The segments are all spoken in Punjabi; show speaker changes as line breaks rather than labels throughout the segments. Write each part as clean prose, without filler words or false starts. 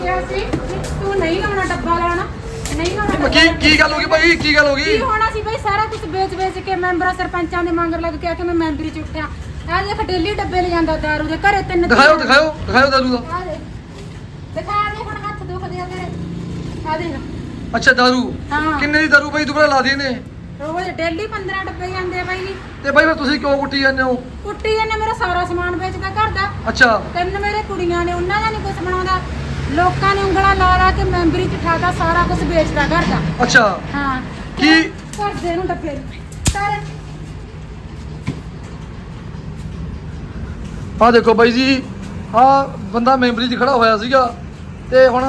ਕਿਹਾ ਸੀ ਤੂੰ ਨਹੀਂ ਲਾਉਣਾ ਡੱਬਾ ਲਾਉਣਾ ਨਹੀਂ ਲਾਉਣਾ
ਕੀ ਗੱਲ ਹੋ ਗਈ ਭਾਈ ਕੀ ਗੱਲ ਹੋ
ਕੀ
ਗਈ
ਹੋਣਾ ਸੀ ਬਈ ਸਾਰਾ ਕੁਝ ਵੇਚ ਕੇ ਮੈਂਬਰਾਂ ਸਰਪੰਚਾਂ ਦੇ ਮੰਗਰ ਲੱਗ ਕੇ ਆ ਕੇ ਮੈਂ ਮੈਂਬਰੀ ਚ ਉੱਠਿਆ ਆ ਦੇਖ ਡੇਲੀ ਡੱਬੇ ਲੈ ਜਾਂਦਾ ਦਾਰੂ ਦੇ ਘਰੇ ਤਿੰਨ
ਦਿਖਾਓ ਦਾਰੂ ਦਾ
ਆ ਦੇ ਦਿਖਾ ਦੇ ਹੁਣ ਹੱਥ ਦੁਖਦੇ ਆ ਤੇਰੇ ਆ ਦੇਖ
ਅੱਛਾ ਦਾਰੂ
ਹਾਂ
ਕਿੰਨੇ ਦੀ ਦਾਰੂ ਭਾਈ ਦੁਬਾਰਾ ਲਾ ਦੇ ਨੇ
ਰੋਜ਼ ਡੇਲੀ 15 ਡੱਬੇ ਜਾਂਦੇ ਆ ਬਾਈ
ਤੇ ਭਾਈ ਫਿਰ ਤੁਸੀਂ ਕਿਉਂ ਕੁੱਟੀ ਜਾਂਦੇ ਹੋ
ਕੁੱਟੀ ਇਹਨੇ ਮੇਰਾ ਸਾਰਾ ਸਮਾਨ ਵੇਚਦਾ ਘਰ ਦਾ
ਅੱਛਾ
ਤਿੰਨ ਮੇਰੇ ਕੁੜੀਆਂ ਨੇ ਉਹਨਾਂ ਦਾ ਨਹੀਂ ਕੁਝ ਬਣਾਉਂਦਾ ਲੋਕਾਂ ਨੇ ਉਂਗਲਾਂ ਲਾ ਕੇ ਮੈਂਬਰੀ ਚ ਠਾਦਾ ਸਾਰਾ ਕੁਝ ਵੇਚਦਾ ਘਰ ਦਾ
ਅੱਛਾ
ਹਾਂ
ਕੀ
ਘਰ ਦੇ ਨੂੰ ਡੱਬੇ ਸਾਰੇ
ਆਹ ਦੇਖੋ ਬਾਈ ਜੀ ਆਹ ਬੰਦਾ ਮੈਂਬਰੀ 'ਚ ਖੜਾ ਹੋਇਆ ਸੀਗਾ ਤੇ ਹੁਣ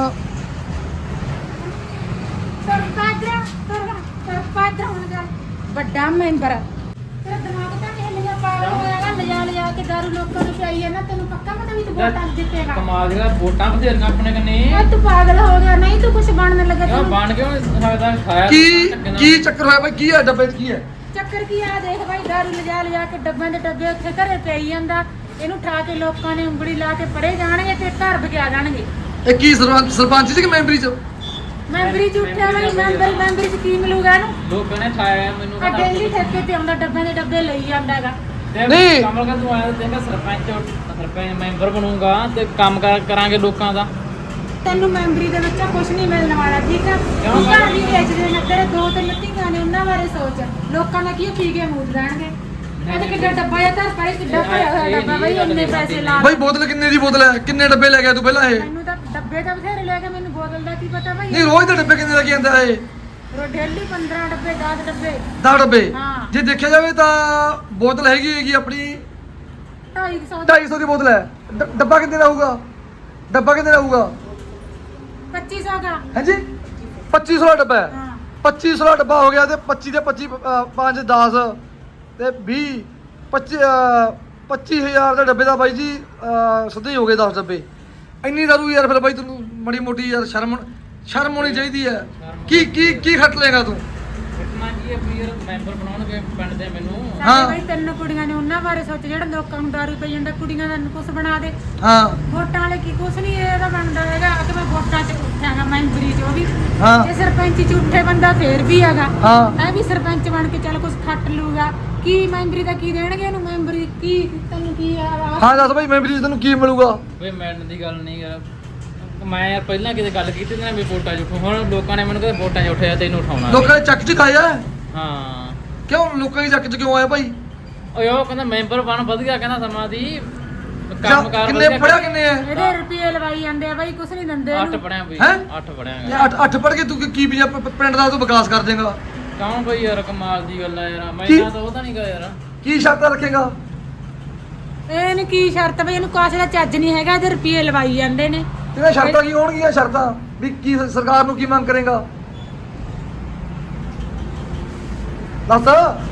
ਸਰਪੰਚ ਹੁਣ ਜਾ ਵੱਡਾ ਮੈਂਬਰ ਤੇਰਾ ਦਿਮਾਗ ਤਾਂ ਨਹੀਂ ਲਿਆ ਪਾਗਲ ਹੋਇਆਗਾ ਲਿਜਾ ਕੇ ਦਾਰੂ ਲੋਕਾਂ ਨੂੰ ਪਿਆਈ ਹੈ ਨਾ ਤੈਨੂੰ ਪੱਕਾ ਪਤਾ ਵੀ ਤੂੰ ਵੋਟਾਂ ਜਿੱਤੇਗਾ
ਕਮਾਲ ਦੀਆਂ ਵੋਟਾਂ ਬਥੇਰੀਆਂ ਆਪਣੇ ਕੰਨੇ
ਓਏ ਤੂੰ ਪਾਗਲ ਹੋ ਗਿਆ ਨਹੀਂ ਤੂੰ ਕੁਝ ਬਣਨ ਲੱਗਾ
ਕਿਉਂ
ਤੈਨੂੰ
ਬਣ ਕਿਉਂ ਨੀ ਸਕਦਾ ਖਾਇਆ
ਕੀ ਚੱਕਰ ਹੋਇਆ ਬਾਈ ਕੀ ਹੈ ਡੱਬੇ 'ਚ ਕੀ ਹੈ
ਚੱਕਰ ਕੀ ਆ ਦੇਖ ਭਾਈ ਦਾਰੂ ਲਿਜਾ ਕੇ ਡੱਬਿਆਂ ਦੇ ਡੱਬੇ ਉੱਥੇ ਘਰੇ ਪਈ ਜਾਂਦਾ ਇਹਨੂੰ ਠਾ ਕੇ ਲੋਕਾਂ ਨੇ ਉਂਗਲੀ ਲਾ ਕੇ ਪੜੇ ਜਾਣਗੇ ਤੇ ਘਰ ਵਗਿਆ ਜਾਣਗੇ
ਇਹ ਕੀ ਸਰਪੰਚ ਸੀ ਕਿ ਮੈਂਬਰੀ 'ਚ
ਮੈਂਬਰੀ ਚ ਉੱਠਿਆ ਬਈ ਮੈਂਬਰੀ ਚ ਕੀ ਮਿਲੂਗਾ ਇਹਨੂੰ
ਲੋਕਾਂ ਨੇ ਖਾਇਆ ਮੈਨੂੰ
ਆ ਡੇਲੀ ਠੇਕੇ ਤੇ ਆਉਂਦਾ ਡੱਬਿਆਂ ਦੇ ਡੱਬੇ ਲਈ ਜਾਂਦਾ ਹੈਗਾ
ਨਹੀਂ।
ਕਮਲ ਕਾ ਤੂੰ ਆਇਆ ਦੇਖਾ ਸਰਪੰਚ ਮੈਂਬਰ ਬਣੂੰਗਾ ਤੇ ਕੰਮ ਕਰਾਂਗੇ ਲੋਕਾਂ ਦਾ
ਤੈਨੂੰ ਮੈਂਬਰੀ ਦੇ ਵਿੱਚ ਕੁਝ ਨਹੀਂ ਮਿਲਣ ਵਾਲਾ ਠੀਕ ਆ
ਕਿਉਂ
ਤੂੰ ਘਰ ਵੀ ਵੇਚਦੇ ਨੇ ਤੇਰੇ ਦੋ ਤਿੰਨ ਧੀਆਂ ਨੇ ਉਹਨਾਂ ਬਾਰੇ ਸੋਚ ਲੋਕਾਂ ਨੇ ਕੀ ਪੀ ਕੇ ਮੂਦ ਲੈਣਗੇ ਇਹ ਤਾਂ ਕਿੱਡਾ ਡੱਬਾ ਜਾਂ ਧਰ ਪਰੇ ਕਿੱਡਾ ਭਰਿਆ ਹੋਇਆ ਡੱਬਾ ਬਈ ਇੰਨੇ ਪੈਸੇ ਲਾ
ਬਾਈ ਬੋਤਲ ਕਿੰਨੇ ਦੀ ਬੋਤਲ ਹੈ ਕਿੰਨੇ ਡੱਬੇ ਲੈ ਗਿਆ ਤੂੰ ਪਹਿਲਾਂ ਇਹ
ਮੈਨੂੰ ਤਾਂ ਡੱਬੇ ਤਾਂ ਬਥੇਰੇ ਲੈ ਕੇ ਮੈਨੂੰ ਬੋਤਲ ਦਾ ਕੀ ਪਤਾ ਬਈ
ਨਹੀਂ ਰੋਜ਼ ਦੇ ਡੱਬੇ ਕਿੰਨੇ ਲੈ ਕੇ ਆਂਦਾ ਇਹ
ਡੇਲੀ 15 ਡੱਬੇ 10 ਡੱਬੇ
10 ਡੱਬੇ
ਹਾਂ।
ਜੇ ਦੇਖਿਆ ਜਾਵੇ ਤਾਂ ਬੋਤਲ ਹੈਗੀ ਆਪਣੀ
250
250 ਦੀ ਬੋਤਲ ਹੈ ਡੱਬਾ ਕਿੰਨੇ ਦਾ ਹੋਊਗਾ ਡੱਬਾ ਕਿੰਨੇ ਦਾ ਹੋਊਗਾ
2500 ਦਾ
ਹਾਂਜੀ 2500 ਦਾ ਡੱਬਾ ਹੈ
ਹਾਂ
2500 ਦਾ ਡੱਬਾ ਹੋ ਗਿਆ ਤੇ 25 ਦੇ 25 5 10 ਤੇ 20 25000 ਦੇ ਡੱਬੇ ਦਾ ਬਾਈ ਜੀ ਸਿੱਧੇ ਹੀ ਹੋ ਗਏ 10 ਡੱਬੇ ਇੰਨੀ ਦਾਰੂ ਯਾਰ ਫਿਰ ਬਾਈ ਤੈਨੂੰ ਮੜੀ ਮੋਟੀ ਯਾਰ ਸ਼ਰਮ ਹੋਣੀ ਚਾਹੀਦੀ ਹੈ ਕੀ ਖੱਟ ਲੇਗਾ ਤੂੰ
ਕਿਤਨਾ ਕੀ ਹੈ ਵੀ ਯਾਰ ਮੈਂਬਰ ਬਣਾਉਣਗੇ ਪਿੰਡ ਦੇ ਮੈਨੂੰ
ਹਾਂ।
ਸਾਡੇ ਬਈ ਤਿੰਨ ਕੁੜੀਆਂ ਨੇ ਉਹਨਾਂ ਬਾਰੇ ਸੋਚ ਜਿਹੜਾ ਲੋਕਾਂ ਨੂੰ ਦਾਰੂ ਪਈ ਜਾਂਦਾ ਕੁੜੀਆਂ ਦਾ ਕੁਛ ਬਣਾ ਦੇ
ਹਾਂ
ਵੋਟਾਂ ਵਾਲੇ ਕੀ ਕੁਛ ਨਹੀਂ ਇਹਦਾ ਬਣਦਾ ਹੈਗਾ ਕਿ ਮੈਂ ਵੋਟਾਂ 'ਚ ਉੱਠਾਂਗਾ ਮੈਂਬਰੀ 'ਚ ਉਹ ਵੀ
ਹਾਂ।
ਤੇ ਸਰਪੰਚੀ 'ਚ ਉੱਠੇ ਬੰਦਾ ਫੇਰ ਵੀ ਹੈਗਾ
ਹਾਂ
ਇਹ ਵੀ ਸਰਪੰਚ ਬਣ ਕੇ ਚੱਲ ਕੁਛ ਖੱਟ ਲੂਗਾ ਕੀ ਮੈਂਬਰੀ ਦਾ ਕੀ ਦੇਣਗੇ ਇਹਨੂੰ ਮੈਂਬਰੀ ਕੀ ਤੈਨੂੰ ਕੀ ਆ
ਹਾਂ ਦੱਸ ਬਾਈ ਮੈਂਬਰੀ 'ਚ ਤੈਨੂੰ ਕੀ ਮਿਲੂਗਾ
ਵੇ ਮੈਡਮ ਦੀ ਗੱਲ ਨਹੀਂ ਯਾਰ ਮੈਂ ਯਾਰ ਪਹਿਲਾਂ ਕਿਤੇ ਗੱਲ ਕੀਤੀ ਤੇ ਨਾ ਵੀ ਵੋਟਾਂ 'ਚ ਉੱਠੋ ਹੁਣ ਲੋਕਾਂ ਨੇ ਮੈਨੂੰ ਕਹਿੰਦੇ ਵੋਟਾਂ 'ਚ ਉੱਠਿਆ ਤੈਨੂੰ ਉਠਾਉਣਾ
ਲੋਕਾਂ ਨੇ ਚੱਕ ਚ ਖਾਇਆ
ਹਾਂ
ਕਿਉਂ ਲੋਕਾਂ ਦੀ ਚੱਕ ਚ ਕਿਉਂ ਆਇਆ ਭਾਈ
ਓਏ ਉਹ ਕਹਿੰਦਾ ਮੈਂਬਰ ਬਣ ਵਧੀਆ ਕਹਿੰਦਾ ਸਮਾਂ ਦੀ ਕੰਮ ਕਾਰ
ਕਿੰਨੇ ਪੜਿਆ ਕਿੰਨੇ ਹੈ
ਇਹਦੇ ਰੁਪਏ ਲਵਾਈ ਜਾਂਦੇ ਆ ਬਾਈ ਕੁਛ ਨਹੀਂ ਦਿੰਦੇ
8
ਇਹਨੂੰ
ਪੜਿਆ ਬਈ
ਹੈਂ?
8 ਪੜਿਆ
ਇਹ ਅੱਠ ਪੜ ਕੇ ਤੂੰ ਕੀ ਪਿੰਡ ਦਾ ਤੂੰ ਵਿਕਾਸ ਕਰ ਦੇਗਾ
ਕੌਣ ਬਈ ਯਾਰ ਕਮਾਲ ਦੀ ਗੱਲ ਆ ਯਾਰ ਮੈਂ
ਕੀ?
ਤਾਂ ਉਹਦਾ ਨਹੀਂ ਗਾ ਯਾਰ
ਕੀ ਸ਼ਰਤਾਂ ਰੱਖੇਗਾ
ਇਹਨੂੰ ਕੀ ਸ਼ਰਤ ਬਈ ਇਹਨੂੰ ਕਾਸੇ ਦਾ ਚੱਜ ਨਹੀਂ ਹੈਗਾ ਇਹਦੇ ਰੁਪਏ ਲਵਾਈ ਜਾਂਦੇ ਨੇ
ਤੇਰੇ ਸ਼ਰਤਾਂ ਕੀ ਹੋਣਗੀਆਂ ਸ਼ਰਤਾਂ ਵੀ ਕੀ ਸਰਕਾਰ ਨੂੰ ਕੀ ਮੰਗ ਕਰੇਗਾ ਦੱਸ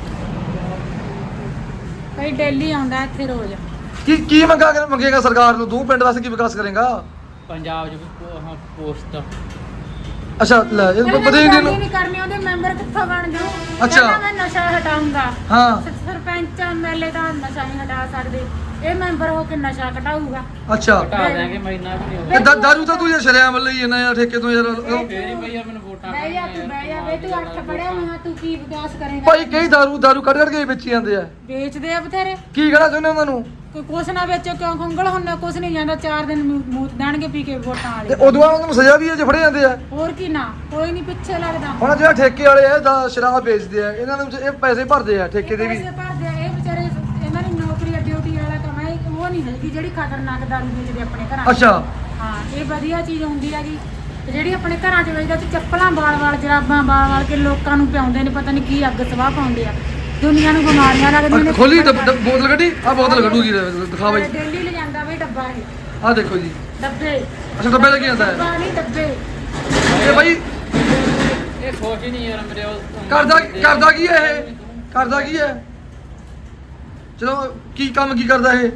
ਬਈ ਡੇਲੀ ਆਉਂਦਾ ਇੱਥੇ ਰੋਜ਼
ਕੀ ਮੰਗੇਗਾ ਸਰਕਾਰ ਨੂੰ ਤੂੰ ਪਿੰਡ ਵਾਸਤੇ ਕੀ ਵਿਕਾਸ ਕਰੇਗਾ
ਪੰਜਾਬ 'ਚ ਵੀ ਪੋਸਟ
ਅੱਛਾ ਲੈ ਇਹ ਪਤਾ ਹੀ ਨਹੀਂ
ਨਹੀਂ ਕਰਨੀ ਉਹਦੇ ਮੈਂਬਰ ਕਿੱਥੋਂ ਬਣ ਜਾਊ
ਅੱਛਾ।
ਕਹਿੰਦਾ ਮੈਂ ਨਸ਼ਾ ਹਟਾਉਂਗਾ
ਹਾਂ
ਸਰਪੰਚ ਐਮਐਲਏ ਤਾਂ ਨਸ਼ਾ ਨਹੀਂ ਹਟਾ ਸਕਦੇ ਇਹ ਮੈਂਬਰ ਹੋ ਕੇ ਨਸ਼ਾ ਘਟਾਊਗਾ
ਅੱਛਾ
ਘਟਾ ਦਿਆਂਗੇ ਮਹੀਨਾ ਵੀ ਨਹੀਂ
ਤੇ ਦਾਰੂ ਤਾਂ ਤੂੰ ਯਾਰ ਸ਼ਰਿਆਮ ਲਈ ਇਹਨਾਂ ਯਾਰ ਠੇਕੇ ਤੋਂ ਯਾਰ
ਫੇਰ ਹੀ ਬਈ ਯਾਰ ਮੈਨੂੰ ਵੋਟਾਂ
ਬਹਿ ਜਾ ਤੂੰ ਬਹਿ ਜਾ ਬਈ ਤੂੰ 8 ਪੜਿਆ ਹੋਇਆ ਤੂੰ ਕੀ ਵਿਕਾਸ ਕਰੇਗਾ
ਭਾਈ ਕਈ ਦਾਰੂ ਕੱਢ ਕੇ ਵੇਚੀ ਜਾਂਦੇ ਆ
ਵੇਚਦੇ ਆ ਬਥੇਰੇ
ਕੀ ਕਹਿਣਾ ਚਾਹੁੰਦੇ ਉਹਨਾਂ ਨੂੰ
ਕੋਈ ਕੁਛ ਨਾ ਵੇਚੋ ਕਿਉਂ ਖੰਗਲ ਹੁੰਨਾ ਕੁਛ ਨਹੀਂ ਜਾਂਦਾ 4 ਦਿਨ ਮੂਤ ਦਾਣਗੇ ਪੀ ਕੇ ਵੋਟਾਂ
ਤੇ
ਵਾਲੇ
ਉਦੋਂ ਬਾਅਦ ਉਹਨਾਂ ਨੂੰ ਸਜ਼ਾ ਵੀ ਹੈ ਜੇ ਫੜੇ ਜਾਂਦੇ ਆ
ਹੋਰ ਕੀ ਨਾ ਕੋਈ ਨਹੀਂ ਪਿੱਛੇ ਲੱਗਦਾ
ਹੁਣ ਜਿਹੜਾ ਠੇਕੇ ਵਾਲੇ ਆ ਦਾ ਸ਼ਰਾਬ ਵੇਚਦੇ ਆ ਇਹਨਾਂ ਨੂੰ ਇਹ ਪੈਸੇ ਭਰਦੇ ਆ ਠੇਕੇ ਦੇ ਵੀ
ਪੈਸੇ ਭਰਦੇ ਆ, ਇਹ ਵਿਚਾਰੇ ਇਹਨਾਂ ਦੀ ਨੌਕਰੀ ਆ ਡਿਊਟੀ ਵਾਲਾ ਕੰਮ ਹੈ ਉਹ ਨਹੀਂ ਹੈਗੀ ਜਿਹੜੀ ਖਤਰਨਾਕ ਦਾਰੂ ਵੇਚਦੇ ਆਪਣੇ ਘਰਾਂ 'ਚ।
ਅੱਛਾ
ਹਾਂ ਇਹ ਵਧੀਆ ਚੀਜ਼ ਹੁੰਦੀ ਹੈਗੀ ਤੇ ਜਿਹੜੀ ਆਪਣੇ ਘਰਾਂ 'ਚ ਵੇਚਦਾ ਤੇ ਚੱਪਲਾਂ ਵਾਲ ਜਰਾਬਾਂ ਵਾਲ ਕੇ ਲੋਕਾਂ ਨੂੰ ਪਿਆਉਂਦੇ ਨੇ ਪਤਾ ਨਹੀਂ ਕੀ ਅੱਗ ਸਵਾਹ ਪਾਉਂਦੇ ਆ ਦੁਨੀਆ ਨੂੰ ਬਿਮਾਰੀਆਂ ਲੱਗਦੀਆਂ ਨੇ
ਖੋਲੀ ਬੋਤਲ ਕੱਢੀ ਆ ਬੋਤਲ ਕੱਢੂਗੀ ਦਿਖਾ ਬਾਈ
ਡੇਲੀ ਲੈ ਜਾਂਦਾ ਬਈ ਡੱਬਾ ਇਹ
ਆ ਦੇਖੋ ਜੀ
ਡੱਬੇ
ਅੱਛਾ ਡੱਬੇ ਲੈ ਕੇ ਜਾਂਦਾ ਹੈ
ਡੱਬਾ ਨਹੀਂ ਡੱਬੇ
ਇਹ ਬਾਈ
ਇਹ ਖੁਸ਼ ਹੀ ਨਹੀਂ ਯਾਰ ਮੇਰੇ ਉਹ
ਕਰਦਾ ਕੀ ਹੈ ਇਹ ਕਰਦਾ ਕੀ ਹੈ ਚਲੋ ਕੀ ਕੰਮ ਕੀ ਕਰਦਾ ਇਹ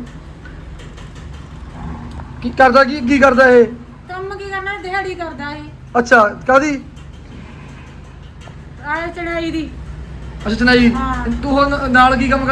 ਕੀ ਕਰਦਾ ਇਹ
ਕੰਮ ਕੀ ਕਰਨਾ ਦਿਹਾੜੀ ਕਰਦਾ ਇਹ
ਅੱਛਾ ਕਾਦੀ
ਆਏ ਚੜਾਈ ਦੀ
ਅੱਛਾ ਚਨਾਈ
ਹਾਂ।
ਤੂੰ ਹੁਣ ਨਾਲ ਕੀ ਕੰਮ ਕਰਦਾ ਹੈ
ਕੌਣ ਬਈ ਮੈਂ
ਹਾਂ
ਡਰਾਈਵਰਾਂ ਵੀ ਗੱਡੀ ਦਾ ਮੈਂ
ਡਰਾਈਵਰੀ ਵੀ ਕਰਦਾ ਹੈ
ਹਾਂ।
ਅੱਛਾ ਲੈ ਇਹਨੂੰ ਵਧੀਆ ਚੀਜ਼ ਹੁੰਦੀ ਆ ਜੀ
ਵਧੀਆ ਚੀਜ਼ ਹੁੰਦੀ ਹੈਗੀ ਤੇ ਜਿਹੜੀ ਆਪਣੇ ਘਰਾਂ 'ਚ ਵੇਚਦਾ ਤੇ ਚੱਪਲਾਂ ਵਾਲ ਕੇ ਲੋਕਾਂ ਨੂੰ ਪਿਆਉਂਦੇ ਨੇ ਪਤਾ ਨਹੀਂ ਕੀ ਅੱਗ ਸਵਾਹ ਪਾਉਂਦੇ ਆ ਦੁਨੀਆ ਨੂੰ ਬਿਮਾਰੀਆਂ ਲੱਗਦੀਆਂ ਨੇ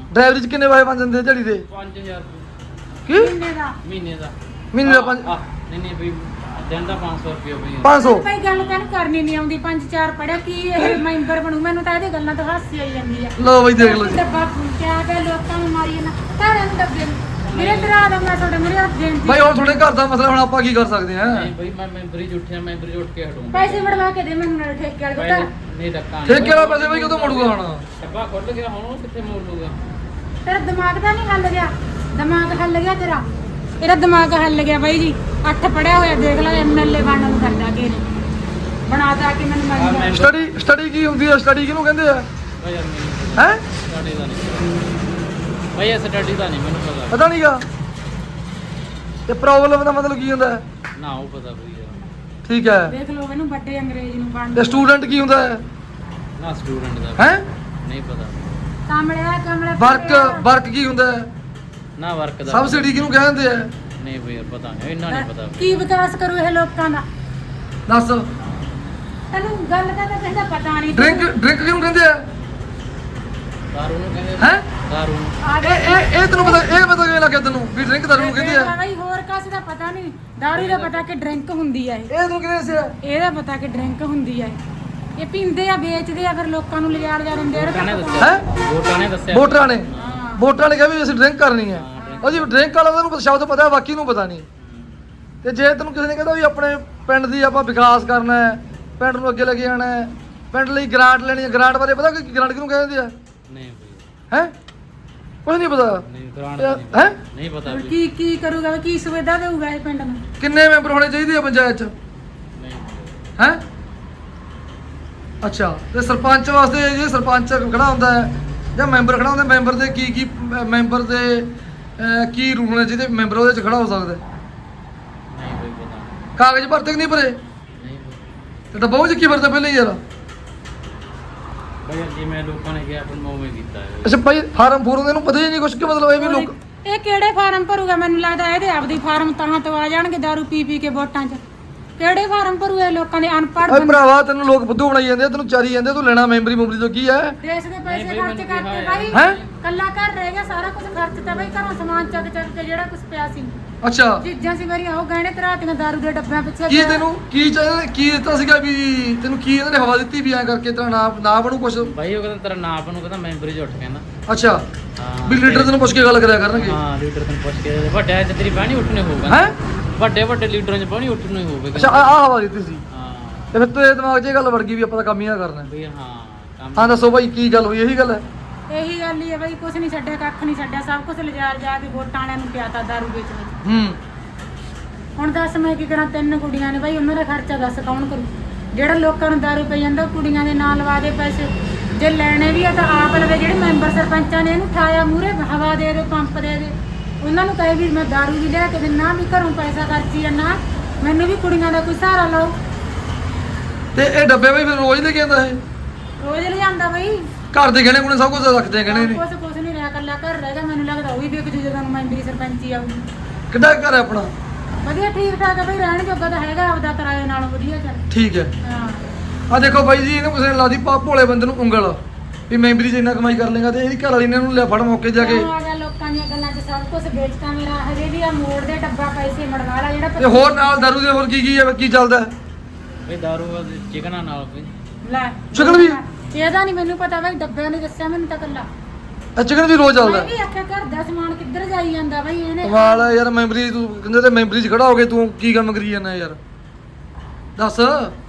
ਡਰਾਈਵਰੀ 'ਚ ਕਿੰਨੇ ਪੈਸੇ ਬਣ ਜਾਂਦੇ ਆ ਦਿਹਾੜੀ ਦੇ?
5000
ਕੀ
ਮਹੀਨੇ ਦਾ
ਮਹੀਨੇ ਦਾ।
ਮਹੀਨੇ ਦਾ ਪੰਜ
ਨਹੀਂ ਬਈ ਦਿਨ ਦਾ 500 ਰੁਪਏ ਬਈ।
500
ਭਾਈ ਗੱਲ ਤੈਨੂੰ ਕਰਨੀ ਨਹੀਂ ਆਉਂਦੀ 5-4 ਪੜਿਆ ਕੀ ਇਹ ਮੈਂਬਰ ਬਣੂ ਮੈਨੂੰ ਤਾਂ ਇਹਦੇ ਗੱਲਾਂ ਤੋਂ ਹਾਸੀ ਆਈ ਜਾਂਦੀ ਆ
ਲਓ ਬਈ ਦੇਖ ਲਓ ਜੀ
ਡੱਬਾ ਕਿਆ ਕਿ ਲੋਕਾਂ ਨੂੰ ਮਾਰੀ ਨਾ ਤਾਰੇ ਨੂੰ ਡੱਬੇ ਨੂੰ। ਮੇਰੇ ਤੇਰਾ ਦਾ ਮੈਂ ਤੁਹਾਡੇ ਮੇਰੇ ਹੱਥ ਦੇਣ
ਬਾਈ ਹੁਣ ਤੁਹਾਡੇ ਘਰ ਦਾ ਮਸਲਾ ਹੁਣ ਆਪਾਂ ਕੀ ਕਰ ਸਕਦੇ ਹਾਂ?
ਨਹੀਂ ਬਈ ਮੈਂ ਮੈਂਬਰੀ ਜੁੱਠਿਆ ਮੈਂਬਰੀ ਜੁੱਟ ਕੇ ਹਟੂੰ।
ਪੈਸੇ ਵੜਵਾ ਕੇ ਦੇ ਮੈਨੂੰ ਨਾਲ ਠੇਕੇ ਵਾਲੇ ਕੋਲ
ਨਹੀਂ ਧੱਕਾ
ਠੇਕੇ ਵਾਲਾ ਪੈਸੇ ਬਾਈ ਕਦੋਂ ਮੋੜੂਗਾ ਹੁਣ?
ਡੱਬਾ ਖੁੱਲ ਗਿਆ ਹੁਣ ਉਹ ਕਿੱਥੇ ਮੋੜ ਲੂਗਾ?
ਤੇਰਾ ਦਿਮਾਗ ਤਾਂ ਨਹੀਂ ਹੱਲ ਗਿਆ ਦਿਮਾਗ ਹੱਲ ਗਿਆ ਤੇਰਾ ਇਹਦਾ ਦਿਮਾਗ ਹੱਲ ਗਿਆ ਬਾਈ ਜੀ 8 ਪੜਿਆ ਹੋਇਆ ਦੇਖ ਲੈ ਐਮਐਲਏ ਬਣਨ ਨੂੰ ਕਰਦਾ ਕਿ ਬਣਾਤਾ ਕਿ ਮੈਨੂੰ ਮੰਨ
ਸਟੱਡੀ ਕੀ ਹੁੰਦੀ ਹੈ? ਸਟੱਡੀ ਕਿਹਨੂੰ ਕਹਿੰਦੇ ਆ?
ਬਈ ਯਾਰ ਮੈਨੂੰ
ਹੈ
ਸਟੱਡੀ ਦਾ ਨਹੀਂ ਬਈ ਇਹ ਸਟੱਡੀ ਦਾ ਨਹੀਂ ਮੈਨੂੰ ਪਤਾ।
ਪਤਾ ਨਹੀਂਗਾ ਤੇ ਪ੍ਰੋਬਲਮ ਦਾ ਮਤਲਬ ਕੀ ਹੁੰਦਾ ਹੈ?
ਨਾ ਉਹ ਪਤਾ ਬਈ ਯਾਰ।
ਠੀਕ ਹੈ
ਦੇਖ ਲਓ ਇਹਨੂੰ ਵੱਡੇ ਅੰਗਰੇਜ਼ ਨੂੰ ਬਣ
ਤੇ ਸਟੂਡੈਂਟ ਕੀ ਹੁੰਦਾ ਹੈ?
ਨਾ ਸਟੂਡੈਂਟ ਦਾ
ਹੈ
ਨਹੀਂ ਪਤਾ।
ਕਮਲੇ
ਵਰਕ ਕੀ ਹੁੰਦਾ ਹੈ?
ਨਾ ਵਰਕ ਦਾ
ਸਬਸਿਡੀ ਕਿਹਨੂੰ ਕਹਿੰਦੇ ਆ?
ਨਹੀਂ ਬਈ ਯਾਰ ਪਤਾ ਨਹੀਂ ਇੰਨਾ ਨਹੀਂ ਪਤਾ ਬਈ।
ਕੀ ਵਿਕਾਸ ਕਰੂ ਇਹ ਲੋਕਾਂ ਦਾ
ਦੱਸ।
ਤੈਨੂੰ ਗੱਲ ਦਾ ਤਾਂ ਕਹਿੰਦਾ ਪਤਾ ਨਹੀਂ
ਡਰਿੰਕ ਕਿਹਨੂੰ ਕਹਿੰਦੇ ਆ?
ਦਾਰੂ ਨੂੰ ਕਹਿੰਦੇ
ਹੈਂ?
ਦਾਰੂ ਨੂੰ।
ਆ ਜਾ
ਇਹ ਤੈਨੂੰ ਪਤਾ ਕਿਵੇਂ ਲੱਗਿਆ ਤੈਨੂੰ ਵੀ ਡਰਿੰਕ ਦਾਰੂ ਨੂੰ ਕਹਿੰਦੇ ਆ?
ਬਾਈ ਹੋਰ ਕਾਸੇ ਦਾ ਪਤਾ ਨਹੀਂ ਦਾਰੂ ਦਾ ਪਤਾ ਕਿ ਡਰਿੰਕ ਹੁੰਦੀ ਆ ਇਹ
ਇਹ ਤੂੰ ਕਿਵੇਂ ਦੱਸਿਆ?
ਇਹਦਾ ਪਤਾ ਕਿ ਡਰਿੰਕ ਹੁੰਦੀ ਆ ਇਹ ਪੀਂਦੇ ਆ ਵੇਚਦੇ ਆ ਫਿਰ ਲੋਕਾਂ ਨੂੰ ਲਿਜਾ ਦਿੰਦੇ ਆ
ਵੋਟਾਂ ਨੇ
ਇਹਦਾ
ਦੱਸਿਆ
ਹੈਂ?
ਵੋਟਾਂ ਨੇ ਦੱਸਿਆ
ਵੋਟਰਾਂ ਨੇ
ਹਾਂ
ਵੋਟਰਾਂ ਨੇ ਕਿਹਾ ਵੀ ਅਸੀਂ ਡਰਿੰਕ ਕਰਨੀ ਹੈ। ਉਹ ਜੀ ਡਰਿੰਕ ਵਾਲਾ ਤਾਂ ਉਹਨੂੰ ਸ਼ਬਦ ਪਤਾ ਹੈ ਬਾਕੀ ਨੂੰ ਪਤਾ ਨਹੀਂ। ਤੇ ਜੇ ਤੈਨੂੰ ਕਿਸੇ ਨੇ ਕਹਿੰਦਾ ਵੀ ਆਪਣੇ ਪਿੰਡ ਦੀ ਆਪਾਂ ਵਿਕਾਸ ਕਰਨਾ ਹੈ ਪਿੰਡ ਨੂੰ ਅੱਗੇ ਲੈ ਕੇ ਜਾਣਾ ਹੈ ਪਿੰਡ ਲਈ ਗ੍ਰਾਂਟ ਲੈਣੀ ਹੈ ਗ੍ਰਾਂਟ ਬਾਰੇ ਪਤਾ ਕਿ ਗ੍ਰਾਂਟ ਕਿਹਨੂੰ ਕਹਿੰਦੇ ਆ?
ਨਹੀਂ ਬਈ
ਹੈ ਕੁਝ ਨਹੀਂ ਪਤਾ
ਨਹੀਂ ਗ੍ਰਾਂਟ
ਹੈ?
ਨਹੀਂ ਪਤਾ
ਹੁਣ
ਬਈ।
ਕੀ ਕਰੂਗਾ ਕੀ ਸੁਵਿਧਾ ਦੇਊਗਾ ਇਹ ਪਿੰਡ ਨੂੰ
ਕਿੰਨੇ ਮੈਂਬਰ ਹੋਣੇ ਚਾਹੀਦੇ ਆ ਪੰਚਾਇਤ 'ਚ?
ਨਹੀਂ
ਹੈ ਅੱਛਾ ਤੇ ਸਰਪੰਚ ਵਾਸਤੇ ਜੇ ਸਰਪੰਚ ਖੜਾ ਹੁੰਦਾ ਹੈ ਜਾਂ ਮੈਂਬਰ ਖੜਾ ਹੁੰਦਾ ਮੈਂਬਰ ਦੇ ਕੀ ਮੈਂਬਰ ਦੇ ਕੀ ਰੂਲ ਨੇ ਜਿਹਦੇ ਮੈਂਬਰ ਉਹਦੇ 'ਚ ਖੜਾ ਹੋ ਸਕਦਾ ਹੈ?
ਨਹੀਂ ਬਈ ਪਤਾ
ਕਾਗਜ਼ ਭਰਤੇ ਕਿ ਨਹੀਂ ਭਰੇ?
ਨਹੀਂ ਬਈ।
ਤੇ ਡੱਬਾ ਉਹ 'ਚ ਕੀ ਭਰਦਾ ਪਹਿਲਾਂ ਹੀ ਯਾਰ?
ਬਈ ਯਾਰ ਜਿਵੇਂ ਲੋਕਾਂ ਨੇ ਕਿਹਾ ਆਪਾਂ ਉਵੇਂ ਕੀਤਾ ਹੈ।
ਅੱਛਾ ਭਾਈ ਫਾਰਮ ਫੂਰਮ ਇਹਨੂੰ ਪਤਾ ਹੀ ਨਹੀਂ ਕੁਛ ਕਿ ਮਤਲਬ ਇਹ ਵੀ ਲੋਕ
ਇਹ ਕਿਹੜੇ ਫਾਰਮ ਭਰੂਗਾ ਮੈਨੂੰ ਲੱਗਦਾ ਇਹਦੇ ਆਪਦੀ ਫਾਰਮ ਤਾਂ ਤੋਂ ਆ ਜਾਣਗੇ ਦਾਰੂ ਪੀ ਕੇ ਵੋਟਾਂ 'ਚ ਕਿਹੜੇ ਫਾਰਮ ਭਰੂ ਇਹ ਲੋਕਾਂ ਦੇ ਅਨਪੜ੍ਹ
ਓਏ ਭਰਾਵਾ ਤੈਨੂੰ ਲੋਕ ਬੁੱਧੂ ਬਣਾਈ ਜਾਂਦੇ ਆ ਤੈਨੂੰ ਚਾਰੀ ਜਾਂਦੇ ਆ, ਤੂੰ ਲੈਣਾ ਮੈਂਬਰੀ ਮੁੰਬਰੀ ਤੋਂ ਕੀ ਹੈ?
ਦੇਸ਼ ਦੇ ਪੈਸੇ
ਨਹੀਂ ਬਈ,
ਖਰਚ
ਮੈਨੂੰ
ਕਰਕੇ
ਕਿਹਾ
ਬਾਈ
ਹੈ?
ਕੱਲਾ ਘਰ ਰਹਿ ਗਿਆ ਸਾਰਾ ਕੁਝ ਖਰਚਤਾ ਬਾਈ ਘਰੋਂ ਸਮਾਨ ਚੱਕ ਕੇ ਜਿਹੜਾ ਕੁਝ ਪਿਆ ਸੀ
ਅੱਛਾ
ਚੀਜ਼ਾਂ ਸੀ ਮੇਰੀਆਂ ਉਹ ਗਹਿਣੇ ਧਰਾਤੀਆਂ ਦਾਰੂ ਦੇ ਡੱਬਿਆਂ ਪਿੱਛੇ
ਕੀ ਤੈਨੂੰ ਕੀ ਚਾਹੀਦਾ ਕੀ ਦਿੱਤਾ ਸੀਗਾ ਵੀ ਤੈਨੂੰ ਕੀ ਇਹਨਾਂ ਨੇ ਹਵਾ ਦਿੱਤੀ ਵੀ ਐਂ ਕਰਕੇ ਤੇਰਾ ਨਾ ਬਣੂ ਕੁਛ?
ਬਾਈ ਉਹ ਕਹਿੰਦਾ ਤੇਰਾ ਨਾਂ ਨੂੰ ਕਹਿੰਦਾ ਮੈਂਬਰ ਹੀ ਉੱਠ ਕਹਿੰਦਾ।
ਅੱਛਾ
ਹਾਂ
ਵੀ ਲੀਡਰ ਤੈਨੂੰ ਪੁੱਛ ਕੇ ਗੱਲ ਕਰਿਆ ਕਰਨਗੇ।
ਹਾਂ ਲੀਡਰ ਤੈਨੂੰ ਪੁੱਛ ਕੇ ਵੱਡਿਆਂ 'ਚ ਤੇਰੀ ਬਾਣੀ ਉੱਠਣੇ ਹੋਊਗਾ।
ਹੈ
ਵੱਡੇ ਲੀਡਰਾਂ 'ਚ ਬਾਣੀ ਉੱਠਣੇ ਹੋਊਗਾ।
ਅੱਛਾ ਆਹ ਹਵਾ ਦਿੱਤੀ ਸੀ
ਹਾਂ
ਤੇ ਫਿਰ ਤੇਰੇ ਦਿਮਾਗ 'ਚ ਇਹ ਗੱਲ ਵੜ ਗਈ ਵੀ ਆਪਾਂ ਤਾਂ ਕੰਮ ਹੀ ਆ ਕਰਨਾ।
ਬਈ ਹਾਂ ਕੰਮ
ਹਾਂ ਦੱਸੋ ਭਾਈ ਕੀ ਗੱਲ ਹੋਈ? ਇਹੀ ਗੱਲ ਹੈ?
ਇਹੀ ਗੱਲ ਹੀ ਹੈ ਬਾਈ ਕੁਝ ਨਹੀਂ ਛੱਡਿਆ ਕੱਖ ਨਹੀਂ ਛੱਡਿਆ ਸਭ ਕੁਝ ਲਿਜਾ ਕੇ ਵੋਟਾਂ ਵਾਲਿਆਂ ਨੂੰ ਪਿਆਤਾ ਦਾਰੂ ਵੇਚ ਵਿੱਚ
ਹੂੰ
ਹੁਣ ਦੱਸ ਮੈਂ ਕੀ ਕਰਾਂ 3 ਕੁੜੀਆਂ ਨੇ ਬਾਈ ਉਹਨਾਂ ਦਾ ਖਰਚਾ ਦੱਸ ਕੌਣ ਕਰੂ ਜਿਹੜਾ ਲੋਕਾਂ ਨੂੰ ਦਾਰੂ ਪਈ ਜਾਂਦਾ ਉਹ ਕੁੜੀਆਂ ਦੇ ਨਾਂ ਲਵਾ ਦੇ ਪੈਸੇ ਜੇ ਲੈਣੇ ਵੀ ਆ ਤਾਂ ਆਪ ਲਵੇ ਜਿਹੜੇ ਮੈਂਬਰ ਸਰਪੰਚਾਂ ਨੇ ਇਹਨੂੰ ਠਾਇਆ ਮੂਰੇ ਹਵਾ ਦੇ ਪੰਪ ਦੇ ਉਹਨਾਂ ਨੂੰ ਕਹੇ ਵੀ ਮੈਂ ਦਾਰੂ ਵੀ ਲੈ ਕੇ ਦਿੰਨਾ ਵੀ ਘਰੋਂ ਪੈਸਾ ਖਰਚੀ ਜਾਂਦਾ ਮੈਨੂੰ ਵੀ ਕੁੜੀਆਂ ਦਾ ਕੋਈ ਸਹਾਰਾ ਲਓ
ਤੇ ਇਹ ਡੱਬੇ ਭਾਈ ਫਿਰ ਰੋਜ਼ ਲੈ ਕੇ ਆਉਂਦਾ ਇਹ?
ਰੋਜ਼ ਲਿਆਂਦਾ ਬਾਈ
ਘਰ ਦੇ ਗਹਿਣੇ ਗੁਣੇ ਸਭ ਕੁਝ ਰੱਖਦੇ ਆ ਗਹਿਣੇ ਨੇ?
ਕੁਛ ਨਹੀਂ ਰਿਹਾ ਕੱਲਾ ਘਰ ਰਹਿ ਗਿਆ ਮੈਨੂੰ ਲੱਗਦਾ ਉਹ ਵੀ ਵਿਕ ਜੂ ਜਦੋਂ ਮੈਂਬਰੀ ਸਰਪੰਚੀ ਆਊਗੀ
ਕਿੱਡਾ ਘਰ ਹੈ ਆਪਣਾ?
ਵਧੀਆ ਠੀਕ ਠਾਕ ਆ ਬਈ ਰਹਿਣ ਜੋਗਾ ਤਾਂ ਹੈਗਾ ਆਪਦਾ ਕਿਰਾਏ ਨਾਲੋਂ ਵਧੀਆ ਚੱਲ
ਠੀਕ ਹੈ।
ਹਾਂ
ਆ ਦੇਖੋ ਬਾਈ ਜੀ ਇਹਨੂੰ ਕਿਸੇ ਨੇ ਲਾਦੀ ਭੋਲੇ ਬੰਦੇ ਨੂੰ ਉਂਗਲ ਵੀ ਮੈਂਬਰੀ 'ਚ ਇੰਨਾ ਕਮਾਈ ਕਰ ਲੇਗਾ ਤੇ ਇਹਦੀ ਘਰ ਵਾਲੀ ਨੇ ਇਹਨੂੰ ਲਿਆ ਫੜ ਮੌਕੇ ਜਾ ਕੇ
ਆ ਗਿਆ ਲੋਕਾਂ ਦੀਆਂ ਗੱਲਾਂ 'ਚ ਸਭ ਕੁਝ ਵੇਚਤਾ ਮੇਰਾ ਹਜੇ ਵੀ ਆ ਮੋੜ ਦੇ ਡੱਬਾ ਪੈਸੇ ਮੜਵਾ ਲਾ ਜਿਹੜਾ
ਤੇ ਹੋਰ ਨਾਲ ਦਾਰੂ ਦੇ ਹੋਰ ਕੀ ਹੈ ਕੀ ਚੱਲਦਾ?
ਬਈ ਦਾਰੂ ਚਿਕਨਾਂ ਨਾਲ ਬਈ
ਲੈ
ਚਿਕਨ ਵੀ?
ਇਹਦਾ ਨਹੀਂ ਮੈਨੂੰ ਪਤਾ ਬਈ ਡੱਬਿਆਂ ਨੇ ਦੱਸਿਆ ਮੈਨੂੰ ਤਾਂ ਕੱਲਾ
ਇਹ ਚਿਕਨ ਵੀ ਰੋਜ਼ ਚੱਲਦਾ?
ਮੈਂ ਵੀ ਆਖਿਆ ਘਰ ਦਾ ਸਮਾਨ ਕਿੱਧਰ ਜਾਈ ਜਾਂਦਾ ਬਈ ਇਹਨੇ
ਕਮਾਲ ਹੈ ਯਾਰ ਮੈਂਬਰੀ ਤੂੰ ਕਹਿੰਦੇ ਤੇ ਮੈਂਬਰੀ 'ਚ ਖੜਾ ਹੋ ਕੇ ਤੂੰ ਕੀ ਕੰਮ ਕਰੀ ਜਾਂਦਾ ਯਾਰ ਦੱਸ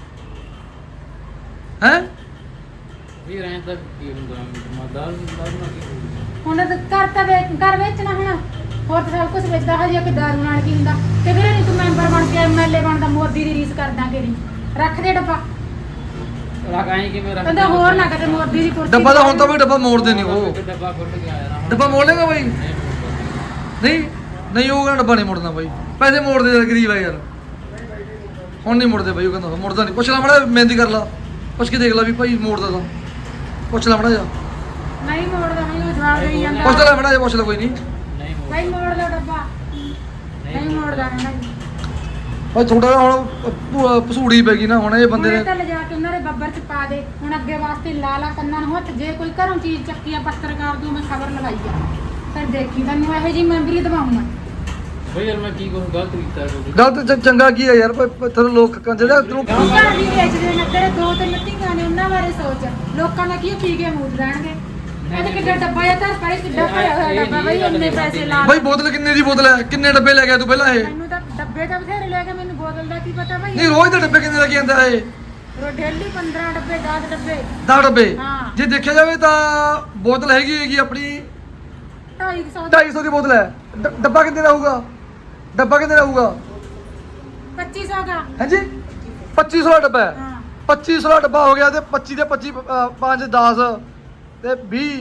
ਹੈ?
ਵੀ ਰਹਿਣ ਤੱਕ ਕੀ ਹੁੰਦਾ ਦਾਰੂ ਨਾਲ ਕੀ ਹੋਊਗਾ?
ਹੁਣ ਤਾਂ ਘਰ ਵੇਚਣਾ ਹੁਣ ਹੋਰ ਤਾਂ ਸਭ ਕੁਝ ਵੇਚਦਾ ਹਜੇ ਕਿ ਦਾਰੂ ਨਾਲ ਕੀ ਹੁੰਦਾ ਤੇ ਵੀਰੇ ਨਹੀਂ ਤੂੰ ਮੈਂਬਰ ਬਣ ਕੇ ਐਮਐਲਏ ਬਣਦਾ ਮੋਦੀ ਦੀ ਰੀਸ ਕਰਦਾ ਕਿਹੜੀ ਰੱਖ ਦੇ ਡੱਬਾ
ਰੱਖ ਆਏ ਕਿਵੇਂ ਰੱਖ
ਕਹਿੰਦਾ ਹੋਰ ਨਾ ਕਿਤੇ ਮੋਦੀ ਦੀ ਕੁਰਸੀ
ਡੱਬਾ ਤਾਂ ਹੁਣ ਤਾਂ ਬਈ ਡੱਬਾ ਮੋੜਦੇ ਨਹੀਂ ਉਹ
ਡੱਬਾ ਖੁੱਲ ਗਿਆ ਯਾਰ
ਡੱਬਾ ਮੋੜ ਲੇਗਾ ਬਾਈ? ਨਹੀਂ ਨਹੀਂ ਉਹ ਕਹਿੰਦਾ ਡੱਬਾ ਨਹੀਂ ਮੋੜਨਾ ਬਾਈ ਪੈਸੇ ਮੋੜਦੇ ਯਾਰ ਗਰੀਬ ਆ ਯਾਰ ਹੁਣ ਨਹੀਂ ਮੁੜਦੇ ਬਾਈ ਉਹ ਕਹਿੰਦਾ ਮੁੜਦਾ ਨਹੀਂ ਪੁੱਛ ਲੈ ਮੜਾ ਮਹਿੰਦੀ ਕਰ ਲਾ ਪੁੱਛ ਕੇ ਦੇਖ ਲਾ ਵੀ ਭਾਈ ਮੋੜਦਾ ਤਾਂ ਪੁੱਛ ਲੈ ਮੜਾ ਜਾ
ਨਹੀਂ ਮੋੜਦਾ ਨਹੀਂ ਉਹ ਜਵਾਬ ਦੇਈ ਜਾਂਦਾ
ਪੁੱਛ ਲੈ ਮੜਾ ਜਾ ਪੁੱਛ ਲੈ ਕੋਈ ਨਹੀਂ
ਨਹੀਂ
ਭਾਈ ਮੋੜ ਲਓ ਡੱਬਾ ਨਹੀਂ ਮੋੜਦਾ ਨਹੀਂ
ਭਾਈ ਤੁਹਾਡਾ ਤਾਂ ਹੁਣ ਪਸੂੜੀ ਪੈ ਗਈ ਨਾ ਹੁਣ ਇਹ ਬੰਦੇ
ਹੁਣ
ਨੇ
ਇਹ ਤਾਂ ਲਿਜਾ ਕੇ ਉਹਨਾਂ ਦੇ ਬੱਬਰ ਚ ਪਾ ਦੇ। ਹੁਣ ਅੱਗੇ ਵਾਸਤੇ ਲਾ ਲਾ ਕੰਨਾਂ ਨੂੰ ਹੱਥ, ਜੇ ਕੋਈ ਘਰੋਂ ਚੀਜ਼ ਚੱਕੀ ਆ ਪੱਤਰਕਾਰ ਤੋਂ ਮੈਂ ਖਬਰ ਲਗਾਈ ਆ, ਫਿਰ ਦੇਖੀ ਤੈਨੂੰ ਇਹੋ ਜਿਹੀ ਮੈਂਬਰੀ ਦਵਾਉਂਗਾ।
ਬਈ ਯਾਰ ਮੈਂ ਕੀ ਕੁਝ ਗਲਤ ਕੀਤਾ ਕੋਈ?
ਗਲਤ ਚੰਗਾ ਕੀ ਹੈ ਯਾਰ ਤੈਨੂੰ ਲੋਕ ਜਿਹੜਾ ਤੈਨੂੰ
ਘਰ ਵੀ ਵੇਚਦੇ ਨੇ ਤੇਰੇ, ਦੋ ਤਿੰਨ ਧੀਆਂ ਨੇ, ਉਹਨਾਂ ਬਾਰੇ ਸੋਚ। ਲੋਕਾਂ ਦਾ ਕੀ ਪੀ ਕੇ ਮੂਦ ਰਹਿਣਗੇ। ਇਹਦੇ ਕਿੱਡਾ ਡੱਬਾ ਜਾਂ ਧਰ ਪਰੇ ਕਿੱਡਾ ਭਰਿਆ ਹੋਇਆ ਡੱਬਾ ਬਈ, ਇੰਨੇ ਪੈਸੇ ਲਾ
ਭਾਈ ਬੋਤਲ ਕਿੰਨੇ ਦੀ ਬੋਤਲ ਹੈ? ਕਿੰਨੇ ਡੱਬੇ ਲੈ ਗਿਆ ਤੂੰ ਪਹਿਲਾਂ ਇਹ?
ਮੈਨੂੰ ਤਾਂ ਡੱਬੇ ਤਾਂ ਬਥੇਰੇ ਲੈ ਕੇ, ਮੈਨੂੰ ਬੋਤਲ ਦਾ ਕੀ ਪਤਾ ਭਾਈ।
ਨਹੀਂ ਰੋਜ਼ ਦੇ ਡੱਬੇ ਕਿੰਨੇ ਲੈ ਕੇ ਆਂਦਾ ਇਹ?
ਡੇਲੀ 15 ਡੱਬੇ 10 ਡੱਬੇ
10 ਡੱਬੇ।
ਹਾਂ।
ਜੇ ਦੇਖਿਆ ਜਾਵੇ ਤਾਂ ਬੋਤਲ ਹੈਗੀ ਆਪਣੀ
250
250 ਦੀ ਬੋਤਲ ਹੈ। ਡੱਬਾ ਕਿੰਨੇ ਦਾ ਹੋਊਗਾ? ਡੱਬਾ ਕਿੰਨੇ ਦਾ ਹੋਊਗਾ?
2500 ਦਾ।
ਹਾਂਜੀ 2500 ਦਾ ਡੱਬਾ ਹੈ।
ਹਾਂ
2500 ਦਾ ਡੱਬਾ ਹੋ ਗਿਆ ਤੇ 25 ਦੇ 25 5 10 ਤੇ 20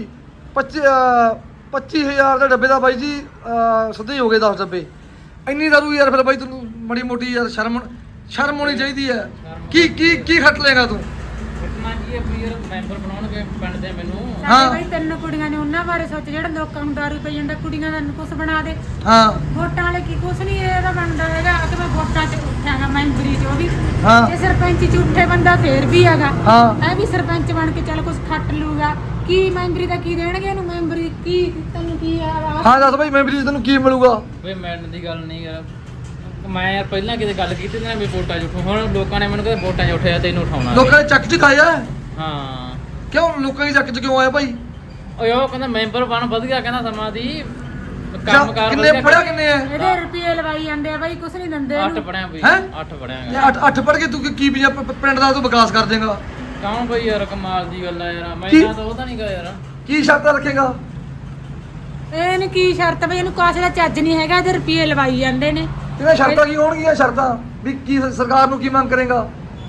25000 ਦੇ ਡੱਬੇ ਦਾ ਬਾਈ ਜੀ ਸਿੱਧੇ ਹੀ ਹੋ ਗਏ 10 ਡੱਬੇ। ਇੰਨੀ ਦਾਰੂ ਯਾਰ ਫਿਰ ਬਾਈ ਤੈਨੂੰ ਮੜੀ ਮੋਟੀ ਯਾਰ ਸ਼ਰਮ ਹੋਣੀ ਚਾਹੀਦੀ ਹੈ। ਕੀ ਖੱਟ ਲੇਗਾ ਤੂੰ?
ਘਟਨਾ ਕੀ ਹੈ ਵੀ ਯਾਰ ਮੈਂਬਰ ਬਣਾਉਣਗੇ ਪਿੰਡ ਦੇ ਮੈਨੂੰ।
ਹਾਂ।
ਸਾਡੇ ਬਈ 3 ਕੁੜੀਆਂ ਨੇ, ਉਹਨਾਂ ਬਾਰੇ ਸੋਚ। ਜਿਹੜਾ ਲੋਕਾਂ ਨੂੰ ਦਾਰੂ ਪਈ ਜਾਂਦਾ, ਕੁੜੀਆਂ ਦਾ ਕੁਛ ਬਣਾ ਦੇ।
ਹਾਂ
ਵੋਟਾਂ ਵਾਲੇ ਕੀ ਕੁਛ ਨਹੀਂ ਇਹਦਾ ਬਣਦਾ ਹੈਗਾ ਕਿ ਮੈਂ ਵੋਟਾਂ 'ਚ ਉੱਠਾਂਗਾ ਮੈਂਬਰੀ 'ਚ, ਉਹ ਵੀ
ਹਾਂ
ਇਹ ਸਰਪੰਚ 'ਚ ਉੱਠੇ ਬੰਦਾ ਫੇਰ ਵੀ ਹੈਗਾ।
ਹਾਂ
ਇਹ ਵੀ ਸਰਪੰਚ ਬਣ ਕੇ ਚੱਲ ਕੁਛ ਖੱਟ ਲੂਗਾ। ਕੀ ਮੈਂਬਰੀ ਦਾ ਕੀ ਦੇਣਗੇ ਇਹਨੂੰ? ਮੈਂਬਰੀ ਕੀ ਤੈਨੂੰ ਕੀ ਆ?
ਹਾਂ ਦੱਸ ਬਾਈ ਮੈਂਬਰੀ 'ਚ ਤੈਨੂੰ ਕੀ ਮਿਲੂਗਾ?
ਬਈ ਮੈਡਮ ਦੀ ਗੱਲ ਨਹੀਂ ਯਾਰ, ਮੈਂ ਯਾਰ ਪਹਿਲਾਂ ਕਿਤੇ ਗੱਲ ਕੀਤੀ ਨਾ ਵੀ ਵੋਟਾਂ 'ਚ ਉੱਠੂ। ਹੁਣ ਲੋਕਾਂ ਨੇ ਮੈਨੂੰ ਕਹਿੰਦੇ ਵੋਟਾਂ 'ਚ ਉੱਠਿਆ ਤੈਨੂੰ ਉਠਾਉਣਾ।
ਲੋਕਾਂ ਨੇ ਚੱਕ ਚ ਖਾਇਆ?
ਹਾਂ
ਕਿਉਂ ਲੋਕਾਂ ਦੀ ਚੱਕ ਚ ਕਿਉਂ ਆਇਆ ਭਾਈ?
ਓਏ ਉਹ ਕਹਿੰਦਾ ਮੈਂਬਰ ਬਣ ਵਧੀਆ, ਕਹਿੰਦਾ ਸਮਾਂ ਦੀ ਕੰਮ ਕਾਰ
ਕਿੰਨੇ ਪੜਿਆ ਕਿੰਨੇ ਹੈ?
ਇਹਦੇ ਰੁਪਏ ਲਵਾਈ ਜਾਂਦੇ ਆ ਬਾਈ, ਕੁਛ ਨਹੀਂ ਦਿੰਦੇ
8
ਇਹਨੂੰ।
ਪੜਿਆ ਬਈ।
ਹੈਂ?
8 ਪੜਿਆ
ਇਹ ਅੱਠ ਪੜ ਕੇ ਤੂੰ ਕੀ ਪਿੰਡ ਦਾ ਤੂੰ ਵਿਕਾਸ ਕਰ ਦੇਗਾ?
ਕੌਣ ਬਈ ਯਾਰ ਕਮਾਲ ਦੀ ਗੱਲ ਆ ਯਾਰ, ਮੈਂ
ਕੀ?
ਤਾਂ ਉਹਦਾ ਨਹੀਂ ਗਾ ਯਾਰ।
ਕੀ ਸ਼ਰਤਾਂ ਰੱਖੇਗਾ?
ਇਹਨੂੰ ਕੀ ਸ਼ਰਤ ਬਈ? ਇਹਨੂੰ ਕਾਸੇ ਦਾ ਚੱਜ ਨਹੀਂ ਹੈਗਾ, ਇਹਦੇ ਰੁਪਏ ਲਵਾਈ ਜਾਂਦੇ ਨੇ।
ਇਹਨਾਂ ਸ਼ਰਤਾਂ ਕੀ ਹੋਣਗੀਆਂ? ਸ਼ਰਤਾਂ ਵੀ ਕੀ ਸਰਕਾਰ ਨੂੰ ਕੀ ਮੰਗ ਕਰੇਗਾ?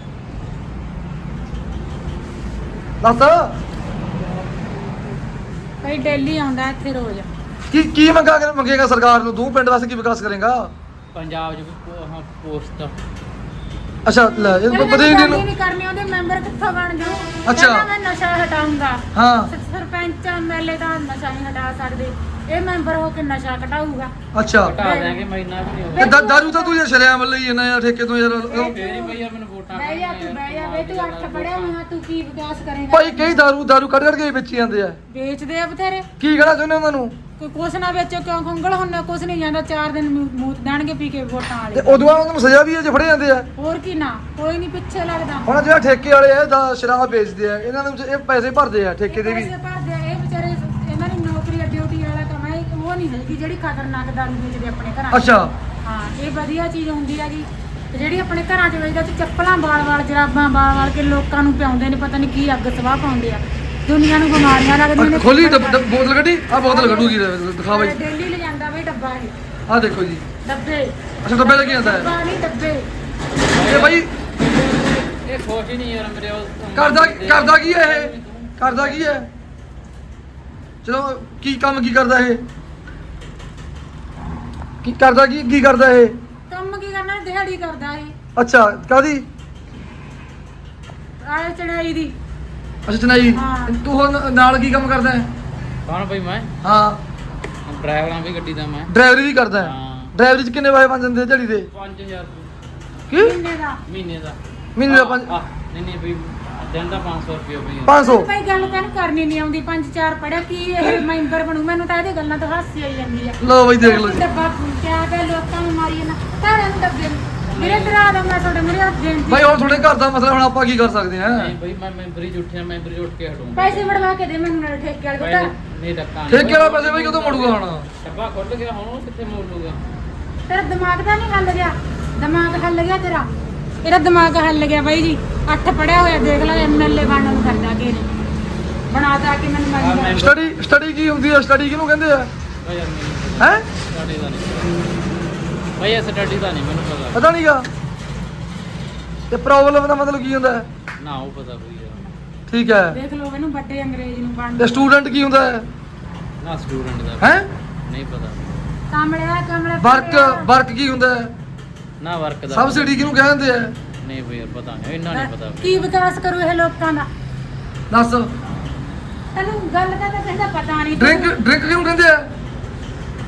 ਦੱਸ
ਬਈ ਡੇਲੀ ਆਉਂਦਾ ਇੱਥੇ ਰੋਜ਼।
ਕੀ ਮੰਗੇਗਾ ਸਰਕਾਰ ਨੂੰ? ਤੂੰ ਪਿੰਡ ਵਾਸਤੇ ਕੀ ਵਿਕਾਸ ਕਰੇਗਾ?
ਪੰਜਾਬ 'ਚ ਵੀ ਪੋਸਟ
ਅੱਛਾ ਲੈ ਇਹ
ਇਹਨੇ
ਬਦੇ
ਗੱਲ
ਨੂੰ
ਹੀ ਨਹੀਂ ਕਰਨੀ, ਉਹਦੇ ਮੈਂਬਰ ਕਿੱਥੋਂ ਬਣ ਜਾਊ?
ਅੱਛਾ।
ਕਹਿੰਦਾ ਮੈਂ ਨਸ਼ਾ ਹਟਾਊਂਗਾ।
ਹਾਂ
ਸਰਪੰਚ ਐਮਐਲਏ ਤਾਂ ਨਸ਼ਾ ਨਹੀਂ ਹਟਾ ਸਕਦੇ, ਇਹ ਮੈਂਬਰ ਹੋ ਕੇ ਨਸ਼ਾ ਘਟਾਊਗਾ।
ਅੱਛਾ
ਘਟਾ ਦਿਆਂਗੇ, ਮਹੀਨਾ ਵੀ ਨਹੀਂ
ਤੇ
ਹੋਇਆ।
ਦਾਰੂ ਤਾਂ ਤੂੰ ਯਾਰ ਸ਼ਰਿਆਮ ਲਈ ਜਾਂਦਾ ਯਾਰ ਠੇਕੇ ਤੋਂ ਯਾਰ
ਫੇਰ ਹੀ ਬਈ ਯਾਰ ਮੈਨੂੰ ਵੋਟਾਂ
ਬਹਿ ਜਾ ਤੂੰ, ਬਹਿ ਜਾ ਬਈ, ਤੂੰ 8 ਪੜਿਆ ਹੋਇਆ, ਤੂੰ ਕੀ ਵਿਕਾਸ ਕਰੇਗਾ?
ਭਾਈ ਕਈ ਦਾਰੂ ਕੱਢ ਕੇ ਵੇਚੀ ਜਾਂਦੇ ਆ।
ਵੇਚਦੇ ਆ ਬਥੇਰੇ।
ਕੀ ਕਹਿਣਾ ਚਾਹੁੰਦੇ ਉਹਨਾਂ ਨੂੰ?
ਕੋਈ ਕੁਛ ਨਾ ਵੇਚੋ, ਕਿਉਂ ਖੰਗਲ ਹੁੰਨਾ? ਕੁਛ ਨਹੀਂ ਜਾਂਦਾ, 4 ਦਿਨ ਮੂਤ ਦੇਣਗੇ ਪੀ ਕੇ ਵੋਟਾਂ
ਤੇ
ਵਾਲੇ।
ਉਦੋਂ ਬਾਅਦ ਉਹਨਾਂ ਨੂੰ ਸਜ਼ਾ ਵੀ ਹੈ ਜੇ ਫੜੇ ਜਾਂਦੇ ਆ।
ਹੋਰ ਕੀ ਨਾ, ਕੋਈ ਨਹੀਂ ਪਿੱਛੇ ਲੱਗਦਾ।
ਹੁਣ ਜਿਹੜਾ ਠੇਕੇ ਵਾਲੇ ਆ ਦਾ ਸ਼ਰਾਬ ਵੇਚਦੇ ਆ, ਇਹਨਾਂ ਨੂੰ ਇਹ ਪੈਸੇ ਭਰਦੇ ਆ ਠੇਕੇ ਦੇ ਵੀ।
ਪੈਸੇ ਭਰਦੇ ਆ, ਇਹ ਵਿਚਾਰੇ ਇਹਨਾਂ ਦੀ ਨੌਕਰੀ ਆ, ਡਿਊਟੀ ਵਾਲਾ ਕੰਮ ਹੈ, ਉਹ ਨਹੀਂ ਹੈਗੀ ਜਿਹੜੀ ਖਤਰਨਾਕ ਦਾਰੂ ਵੇਚਦੇ ਆਪਣੇ ਘਰਾਂ 'ਚ।
ਅੱਛਾ
ਹਾਂ ਇਹ ਵਧੀਆ ਚੀਜ਼ ਹੁੰਦੀ ਹੈਗੀ, ਤੇ ਜਿਹੜੀ ਆਪਣੇ ਘਰਾਂ 'ਚ ਵੇਚਦਾ ਤੇ ਚੱਪਲਾਂ ਵਾਲ ਜਰਾਬਾਂ ਵਾਲ ਕੇ ਲੋਕਾਂ ਨੂੰ ਪਿਆਉਂਦੇ ਨੇ, ਪਤਾ ਨਹੀਂ ਕੀ ਅੱਗ ਸਵਾਹ ਪਾਉਂਦੇ ਆ, ਦੁਨੀਆ ਨੂੰ ਬਿਮਾਰੀਆਂ ਲੱਗਦੀਆਂ ਨੇ।
ਖੋਲੀ ਬੋਤਲ ਕੱਢੀ ਆ, ਬੋਤਲ ਕੱਢੂਗੀ ਦਿਖਾ ਬਾਈ।
ਡੇਲੀ ਲੈ ਜਾਂਦਾ ਬਈ ਡੱਬਾ ਇਹ,
ਆ ਦੇਖੋ ਜੀ।
ਡੱਬੇ
ਅੱਛਾ ਡੱਬੇ ਲੱਗੇ ਜਾਂਦਾ ਹੈ
ਡੱਬਾ ਨਹੀਂ ਡੱਬੇ।
ਇਹ ਬਾਈ
ਇਹ ਖੁਸ਼ ਹੀ ਨਹੀਂ ਯਾਰ ਮੇਰੇ ਉਹ
ਕਰਦਾ ਕੀ ਹੈ ਇਹ? ਕਰਦਾ ਕੀ ਹੈ? ਚਲੋ ਕੀ ਕੰਮ ਕੀ ਕਰਦਾ ਇਹ? ਕੀ ਕਰਦਾ ਇਹ?
ਕੰਮ ਕੀ ਕਰਨਾ? ਦਿਹਾੜੀ ਕਰਦਾ ਇਹ,
ਅੱਛਾ ਕਾਦੀ?
ਆਲੇ ਚੜਾਈ ਦੀ।
ਅੱਛਾ ਚਨਾਈ।
ਹਾਂ।
ਤੂੰ ਹੁਣ ਨਾਲ ਕੀ ਕੰਮ ਕਰਦਾ ਹੈ?
ਕੌਣ ਬਈ? ਮੈਂ
ਹਾਂ
ਡਰਾਈਵਰਾਂ ਵੀ ਗੱਡੀ ਦਾ ਮੈਂ।
ਡਰਾਈਵਰੀ ਵੀ ਕਰਦਾ ਹੈ।
ਹਾਂ।
ਡਰਾਈਵਰੀ ਚ ਕਿੰਨੇ ਪੈਸੇ ਬਣ ਜਾਂਦੇ ਦਿਹਾੜੀ ਦੇ?
5000
ਕੀ
ਮਹੀਨੇ ਦਾ।
ਮਹੀਨੇ ਦਾ।
ਮਹੀਨੇ ਦਾ ਪੰਜ-
ਨਹੀਂ ਬਈ ਦਿਨ ਦਾ 500 ਰੁਪਏ ਬਈ।
500?
ਭਾਈ ਗੱਲ ਤੈਨੂੰ ਕਰਨੀ ਨਹੀਂ ਆਉਂਦੀ, 5-4 ਪੜਿਆ, ਕੀ ਇਹ ਮੈਂਬਰ ਬਣੂ? ਮੈਨੂੰ ਤਾਂ ਇਹਦੇ ਗੱਲਾਂ ਤੋਂ ਹਾਸੀ ਆਈ ਜਾਂਦੀ ਆ।
ਲਓ ਬਈ ਦੇਖ ਲਓ ਜੀ।
ਡੱਬਾ ਕਿਆ ਤੇ ਲੋਕਾਂ ਨੂੰ ਮਾਰੀ ਨਾ ਤਾਰੇ ਨੂੰ ਡੱਬੇ ਨੂੰ। ਮੇਰੇ ਤੇਰਾ ਦਾ ਮੈਂ ਤੁਹਾਡੇ ਮੇਰੇ ਹੱਥ ਦੇਣ
ਬਾਈ ਹੁਣ ਤੁਹਾਡੇ ਘਰ ਦਾ ਮਸਲਾ, ਹੁਣ ਆਪਾਂ ਕੀ ਕਰ ਸਕਦੇ ਹਾਂ?
ਨਹੀਂ ਬਈ ਮੈਂ ਮੈਂਬਰੀ 'ਚ ਉੱਠਿਆ, ਮੈਂਬਰੀ 'ਚ ਉੱਠ ਕੇ ਹਟੂੰਗਾ।
ਪੈਸੇ ਵੜਵਾ ਕੇ ਦੇ ਮੈਨੂੰ ਨਾਲ ਠੇਕੇ ਵਾਲੇ ਕੋਲ ਤਾਂ।
ਨਹੀਂ ਧੱਕਾ ਨਹੀਂ।
ਠੇਕੇ ਵਾਲਾ ਪੈਸੇ ਬਾਈ ਕਦੋਂ ਮੁੜੂਗਾ ਹੁਣ?
ਡੱਬਾ ਖੁੱਲ ਗਿਆ, ਹੁਣ ਉਹ ਕਿੱਥੇ ਮੋੜ ਲੂਗਾ?
ਤੇਰਾ ਦਿਮਾਗ ਤਾਂ ਨਹੀਂ ਹੱਲ ਗਿਆ? ਦਿਮਾਗ ਹੱਲ ਗਿਆ ਤੇਰਾ? ਇਹਦਾ ਦਿਮਾਗ ਹੱਲ ਗਿਆ ਬਾਈ ਜੀ। 8 ਪੜਿਆ ਹੋਇਆ, ਦੇਖ ਲੈ ਐਮਐਲਏ ਬਣਨ ਨੂੰ ਕਰਦਾ ਕਿ ਬਣਾਤਾ ਕਿ ਮੈਨੂੰ ਮੰਨ
ਸਟੱਡੀ ਕੀ ਹੁੰਦੀ ਹੈ? ਸਟੱਡੀ ਕਿਹਨੂੰ ਕਹਿੰਦੇ ਆ?
ਬਈ ਯਾਰ ਮੈਨੂੰ
ਹੈ
ਸਟੱਡੀ ਦਾ ਨਹੀਂ ਬਈ, ਇਹ ਸਟੱਡੀ ਦਾ ਨਹੀਂ ਮੈਨੂੰ ਪਤਾ।
ਪਤਾ ਨਹੀਂਗਾ। ਤੇ ਪ੍ਰੋਬਲਮ ਦਾ ਮਤਲਬ ਕੀ ਹੁੰਦਾ ਹੈ?
ਨਾ ਉਹ ਪਤਾ ਬਈ ਯਾਰ।
ਠੀਕ ਹੈ।
ਦੇਖ ਲਓ ਇਹਨੂੰ ਵੱਡੇ ਅੰਗਰੇਜ਼ ਨੂੰ ਬਣ
ਤੇ ਸਟੂਡੈਂਟ ਕੀ ਹੁੰਦਾ ਹੈ?
ਨਾ ਸਟੂਡੈਂਟ ਦਾ
ਹੈ
ਨਹੀਂ ਪਤਾ।
ਕਮਲੇ
ਵਰਕ ਕੀ ਹੁੰਦਾ ਹੈ?
ਨਾ ਵਰਕ ਦਾ
ਸਬਸਿਡੀ ਕਿਹਨੂੰ ਕਹਿੰਦੇ ਆ?
ਨਹੀਂ ਬਈ ਯਾਰ ਪਤਾ ਨਹੀਂ, ਇੰਨਾ ਨਹੀਂ ਪਤਾ।
ਕੀ ਵਿਕਾਸ ਕਰੂ ਇਹ ਲੋਕਾਂ ਦਾ?
ਦੱਸ।
ਤੈਨੂੰ ਗੱਲ ਦਾ ਤਾਂ ਕਹਿੰਦਾ ਪਤਾ ਨਹੀਂ।
ਡਰਿੰਕ ਕਿਹਨੂੰ ਕਹਿੰਦੇ ਆ?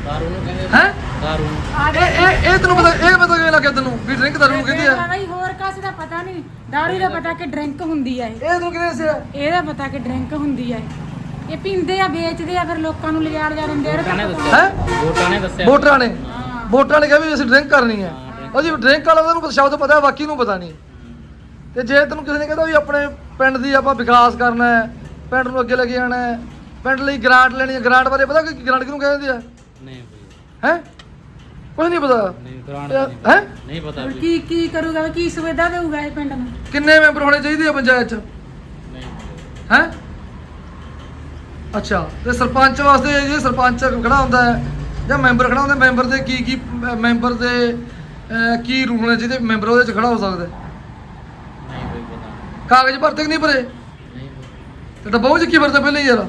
ਦਾਰੂ ਨੂੰ ਕਹਿੰਦੇ
ਹੈ
ਦਾਰੂ ਨੂੰ
ਆ
ਇਹ ਤੈਨੂੰ ਪਤਾ ਕਿਵੇਂ ਲੱਗਿਆ ਤੈਨੂੰ ਵੀ ਡਰਿੰਕ ਦਾਰੂ ਨੂੰ ਕਹਿੰਦੇ ਆ
ਬਈ ਹੋਰ ਕਾਸ ਦਾ ਪਤਾ ਨਹੀਂ ਦਾਰੂ ਦਾ ਪਤਾ ਕਿ ਡਰਿੰਕ ਹੁੰਦੀ ਆ
ਇਹ ਤੂੰ ਕਿਵੇਂ ਦੱਸਿਆ
ਇਹਦਾ ਪਤਾ ਕਿ ਡਰਿੰਕ ਹੁੰਦੀ ਆ ਇਹ ਪੀਂਦੇ ਆ ਵੇਚਦੇ ਆ ਫਿਰ ਲੋਕਾਂ ਨੂੰ ਲਿਜਾ ਦਿੰਦੇ ਆ
ਵੋਟਾਂ ਨੇ ਦੱਸਿਆ
ਹੈ
ਵੋਟਾਂ ਨੇ ਦੱਸਿਆ
ਵੋਟਰਾਂ ਨੇ
ਹਾਂ
ਵੋਟਰਾਂ ਨੇ ਕਿਹਾ ਵੀ ਅਸੀਂ ਡਰਿੰਕ ਕਰਨੀ ਹੈ ਉਹਦੀ ਡਰਿੰਕ ਵਾਲਾ ਉਹਨੂੰ ਸ਼ਬਦ ਪਤਾ ਹੈ ਬਾਕੀ ਨੂੰ ਪਤਾ ਨਹੀਂ ਤੇ ਜੇ ਤੈਨੂੰ ਕਿਸੇ ਨੇ ਕਹਿੰਦਾ ਵੀ ਆਪਣੇ ਪਿੰਡ ਦੀ ਆਪਾਂ ਵਿਕਾਸ ਕਰਨਾ ਹੈ ਪਿੰਡ ਨੂੰ ਅੱਗੇ ਲੈ ਕੇ ਜਾਣਾ ਹੈ ਪਿੰਡ ਲਈ ਗ੍ਰਾਂਟ ਲੈਣੀ ਹੈ ਗ੍ਰਾਂਟ ਬਾਰੇ ਪਤਾ ਕਿ ਗ੍ਰਾਂਟ ਕਿਹਨੂੰ ਕਹਿੰਦੇ ਆ
ਨਹੀਂ ਬਈ
ਹੈ ਕੁਝ ਨਹੀਂ ਪਤਾ
ਨਹੀਂ ਗ੍ਰਾਂਟ
ਹੈ
ਨਹੀਂ ਪਤਾ
ਹੁਣ
ਬਈ
ਕੀ ਕਰੂਗਾ ਕੀ ਸੁਵਿਧਾ ਦੇਊਗਾ ਇਹ ਪਿੰਡ ਨੂੰ
ਕਿੰਨੇ ਮੈਂਬਰ ਹੋਣੇ ਚਾਹੀਦੇ ਆ ਪੰਚਾਇਤ ਚ
ਨਹੀਂ
ਹੈ ਅੱਛਾ ਤੇ ਸਰਪੰਚ ਵਾਸਤੇ ਜੇ ਸਰਪੰਚ ਖੜਾ ਹੁੰਦਾ ਹੈ ਜਾਂ ਮੈਂਬਰ ਖੜਾ ਹੁੰਦਾ ਮੈਂਬਰ ਦੇ ਕੀ ਮੈਂਬਰ ਦੇ ਕੀ ਰੂਲ ਨੇ ਜਿਹਦੇ ਮੈਂਬਰ ਉਹਦੇ ਚ ਖੜਾ ਹੋ ਸਕਦਾ ਹੈ?
ਨਹੀਂ ਬਈ ਪਤਾ
ਕਾਗਜ਼ ਭਰਤੇ ਕਿ ਨਹੀਂ ਭਰੇ
ਨਹੀਂ ਬਈ
ਤੇ ਡੱਬਾ ਉਹ ਚ ਕੀ ਭਰਦਾ ਪਹਿਲੇ ਯਾਰ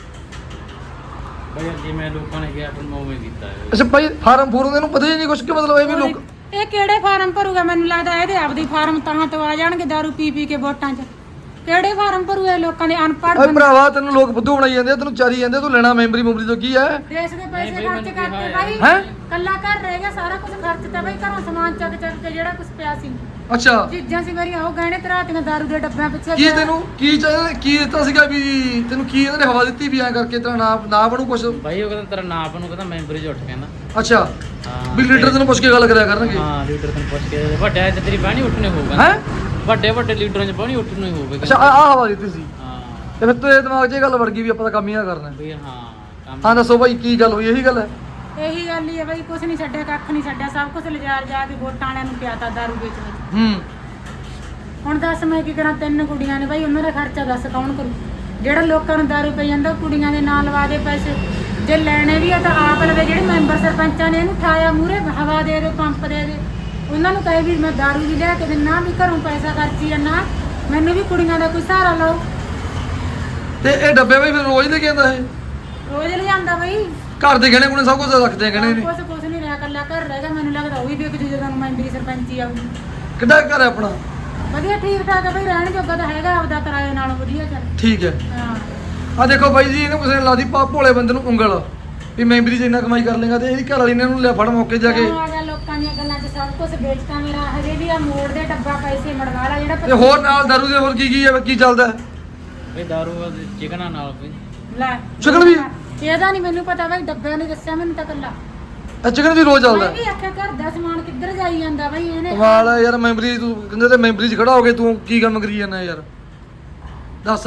ਬਈ ਜਿਵੇਂ ਲੋਕਾਂ ਨੇ ਕਿਹਾ ਫਿਰ ਮੈਂ ਉਵੇਂ ਕੀਤਾ ਹੈ
ਅੱਛਾ ਭਾਈ ਫਾਰਮ ਫੂਰਮ ਇਹਨੂੰ ਪਤਾ ਹੀ ਨਹੀਂ ਕੁਛ ਕਿ ਮਤਲਬ ਇਹ ਵੀ ਲੋਕ
ਇਹ ਕਿਹੜੇ ਫਾਰਮ ਭਰੂਗਾ ਮੈਨੂੰ ਲੱਗਦਾ ਇਹਦੇ ਆਪਦੀ ਫਾਰਮ ਤਾਂ ਤੋਂ ਆ ਜਾਣਗੇ ਦਾਰੂ ਪੀ ਕੇ ਵੋਟਾਂ 'ਚ ਕਿਹੜੇ ਫਾਰਮ ਭਰੂ ਇਹ ਲੋਕਾਂ ਦੇ ਅਨਪੜ੍ਹ
ਓਏ ਭਰਾਵਾ ਤੈਨੂੰ ਲੋਕ ਬੁੱਧੂ ਬਣਾਈ ਜਾਂਦੇ ਆ, ਤੈਨੂੰ ਚਾਰੀ ਜਾਂਦੇ ਆ, ਤੂੰ ਲੈਣਾ ਮੈਂਬਰੀ ਮੁੰਬਰੀ ਤੋਂ ਕੀ ਹੈ
ਦੇਸ਼ ਦੇ ਪੈਸੇ
ਨਹੀਂ ਬਈ,
ਖਰਚ
ਮੈਨੂੰ
ਕਰਕੇ
ਕਿਹਾ
ਬਾਈ
ਹੈ
ਕੱਲਾ ਘਰ ਰਹਿ ਗਿਆ ਸਾਰਾ ਕੁਝ ਖਰਚਤਾ ਬਾਈ ਘਰੋਂ ਸਮਾਨ ਚੱਕ ਕੇ ਜਿਹੜਾ ਕੁਝ ਪਿਆ ਸੀ
ਅੱਛਾ
ਚੀਜ਼ਾਂ ਸੀ ਮੇਰੀਆਂ ਉਹ ਗਹਿਣੇ ਤਰਾਤੀਆਂ ਦਾਰੂ ਦੇ ਡੱਬਿਆਂ ਪਿੱਛੇ
ਕੀ ਤੈਨੂੰ ਕੀ ਚਾਹੀਦਾ ਕੀ ਦਿੱਤਾ ਸੀਗਾ ਵੀ ਤੈਨੂੰ ਕੀ ਇਹਨਾਂ ਨੇ ਹਵਾ ਦਿੱਤੀ ਵੀ ਐ ਕਰਕੇ ਤੇਰਾ ਨਾ ਬਣੂ ਕੁਛ
ਬਾਈ ਉਹ ਕਹਿੰਦਾ ਤੇਰਾ ਨਾਂ ਨੂੰ ਕਹਿੰਦਾ ਮੈਂਬਰ ਹੀ ਉੱਠ ਕਹਿੰਦਾ
ਅੱਛਾ
ਹਾਂ
ਵੀ ਲੀਡਰ ਤੈਨੂੰ ਪੁੱਛ ਕੇ ਗੱਲ ਕਰਿਆ ਕਰਨਗੇ
ਹਾਂ ਲੀਡਰ ਤੈਨੂੰ ਪੁੱਛ ਕੇ ਵੱਡਿਆਂ 'ਚ ਤੇਰੀ ਬਾਣੀ ਉੱਠਣੇ ਹੋਊਗਾ
ਹੈ
ਵੱਡੇ ਲੀਡਰਾਂ 'ਚ ਬਾਣੀ ਉੱਠਣੇ ਹੋਊਗਾ
ਅੱਛਾ ਆਹ ਹਵਾ ਦਿੱਤੀ ਸੀ
ਹਾਂ
ਤੇ ਫਿਰ ਤੇਰੇ ਦਿਮਾਗ 'ਚ ਇਹ ਗੱਲ ਵੜ ਗਈ ਵੀ ਆਪਾਂ ਤਾਂ ਕੰਮ ਹੀ ਨਾ ਕਰਨਾ
ਬਈ ਹਾਂ ਕੰਮ
ਹਾਂ ਦੱਸੋ ਭਾਈ ਕੀ ਗੱਲ ਹੋਈ ਇਹੀ ਗੱਲ ਹੈ
ਇਹੀ ਗੱਲ ਹੀ ਹੈ ਬਾਈ ਕੁਝ ਨਹੀਂ ਛੱਡਿਆ ਕੱਖ ਨਹੀਂ ਛੱਡਿਆ ਸਭ ਕੁਝ ਲਿਜਾ ਕੇ ਵੋਟਾਂ ਵਾਲਿਆਂ ਨੂੰ ਪਿਆਤਾ ਦਾਰੂ ਵੇਚ ਵੇਚ
ਹੂੰ
ਹੁਣ ਦੱਸ ਮੈਂ ਕੀ ਕਰਾਂ ਤਿੰਨ ਕੁੜੀਆਂ ਨੇ ਬਾਈ ਉਹਨਾਂ ਦਾ ਖਰਚਾ ਦੱਸ ਕੌਣ ਕਰੂ ਜਿਹੜਾ ਲੋਕਾਂ ਨੂੰ ਦਾਰੂ ਪਈ ਜਾਂਦਾ ਕੁੜੀਆਂ ਦੇ ਨਾਂ ਲਵਾ ਦੇ ਪੈਸੇ ਜੇ ਲੈਣੇ ਵੀ ਆ ਤਾਂ ਆਪ ਲਵੇ ਜਿਹੜੇ ਮੈਂਬਰ ਸਰਪੰਚਾਂ ਨੇ ਇਹਨੂੰ ਠਾਇਆ ਮੂਰੇ ਹਵਾ ਦੇ ਪੰਪ ਦੇ ਉਹਨਾਂ ਨੂੰ ਕਹੇ ਵੀ ਮੈਂ ਦਾਰੂ ਵੀ ਲਿਆ ਕੇ ਦਿੰਨਾ ਵੀ ਘਰੋਂ ਪੈਸਾ ਖਰਚੀ ਜਾਂਦਾ ਮੈਨੂੰ ਵੀ ਕੁੜੀਆਂ ਦਾ ਕੋਈ ਸਹਾਰਾ ਲਓ
ਤੇ ਇਹ ਡੱਬੇ ਬਈ ਫਿਰ ਰੋਜ਼ ਲੈ ਕੇ ਆਉਂਦਾ ਇਹ
ਰੋਜ਼ ਲਿਆਂਦਾ ਬਾਈ
ਘਰ ਦੇ ਗਹਿਣੇ ਗੁਣੇ ਸਭ ਕੁਝ ਰੱਖਦੇ ਆ ਗਹਿਣੇ ਨੇ
ਕੁਛ ਨਹੀਂ ਰਿਹਾ ਕੱਲਾ ਘਰ ਰਹਿ ਗਿਆ ਮੈਨੂੰ ਲੱਗਦਾ ਉਹ ਵੀ ਵੇਖ ਜੂ ਜਦੋਂ ਮੈਂਬਰੀ ਸਰਪੰਚੀ ਆਊਗੀ
ਕਿੱਡਾ ਘਰ ਹੈ ਆਪਣਾ
ਵਧੀਆ ਠੀਕ ਠਾਕ ਹੈ ਬਈ ਰਹਿਣ ਜੋਗਾ ਤਾਂ ਹੈਗਾ ਆਪਦਾ ਕਿਰਾਏ ਨਾਲੋਂ ਵਧੀਆ ਚੱਲ
ਠੀਕ ਹੈ
ਹਾਂ
ਆ ਦੇਖੋ ਬਾਈ ਜੀ ਇਹਨੂੰ ਕਿਸੇ ਨੇ ਲਾਦੀ ਭੋਲੇ ਬੰਦੇ ਨੂੰ ਉਂਗਲ ਵੀ ਮੈਂਬਰੀ 'ਚ ਇੰਨਾ ਕਮਾਈ ਕਰ ਲੇਗਾ ਤੇ ਇਹਦੀ ਘਰ ਵਾਲੀ ਨੇ ਇਹਨੂੰ ਲਿਆ ਫੜ ਮੌਕੇ ਜਾ ਕੇ
ਆ ਗਿਆ ਲੋਕਾਂ ਦੀਆਂ ਗੱਲਾਂ 'ਚ ਸਭ ਕੁਝ ਵੇਚਤਾ ਮੇਰਾ ਹਜੇ ਵੀ ਆ ਮੋੜ ਦੇ ਡੱਬਾ ਪੈਸੇ ਮੜਵਾ ਲਾ ਜਿਹੜਾ
ਤੇ ਹੋਰ ਨਾਲ ਦਾਰੂ ਦੇ ਹੋਰ ਕੀ ਹੈ ਕੀ ਚੱਲਦਾ ਹੈ?
ਬਈ ਦਾਰੂ ਚਿਕਨਾਂ ਨਾਲ ਬਈ
ਲੈ
ਚਿਕਨ ਵੀ
ਇਹਦਾ ਨਹੀਂ ਮੈਨੂੰ ਪਤਾ ਬਈ ਡੱਬਿਆਂ ਨੇ ਦੱਸਿਆ ਮੈਨੂੰ ਤਾਂ ਕੱਲਾ
ਇਹ ਚਿਕਨ ਵੀ ਰੋਜ਼ ਚੱਲਦਾ
ਮੈਂ ਵੀ ਆਖਿਆ ਘਰ ਦਾ ਸਮਾਨ ਕਿੱਧਰ ਜਾਈ ਜਾਂਦਾ ਬਈ ਇਹਨੇ
ਕਮਾਲ ਹੈ ਯਾਰ ਮੈਂਬਰੀ ਤੂੰ ਕਹਿੰਦੇ ਤੇ ਮੈਂਬਰੀ 'ਚ ਖੜਾ ਹੋ ਕੇ ਤੂੰ ਕੀ ਕੰਮ ਕਰੀ ਜਾਂਦਾ ਯਾਰ ਦੱਸ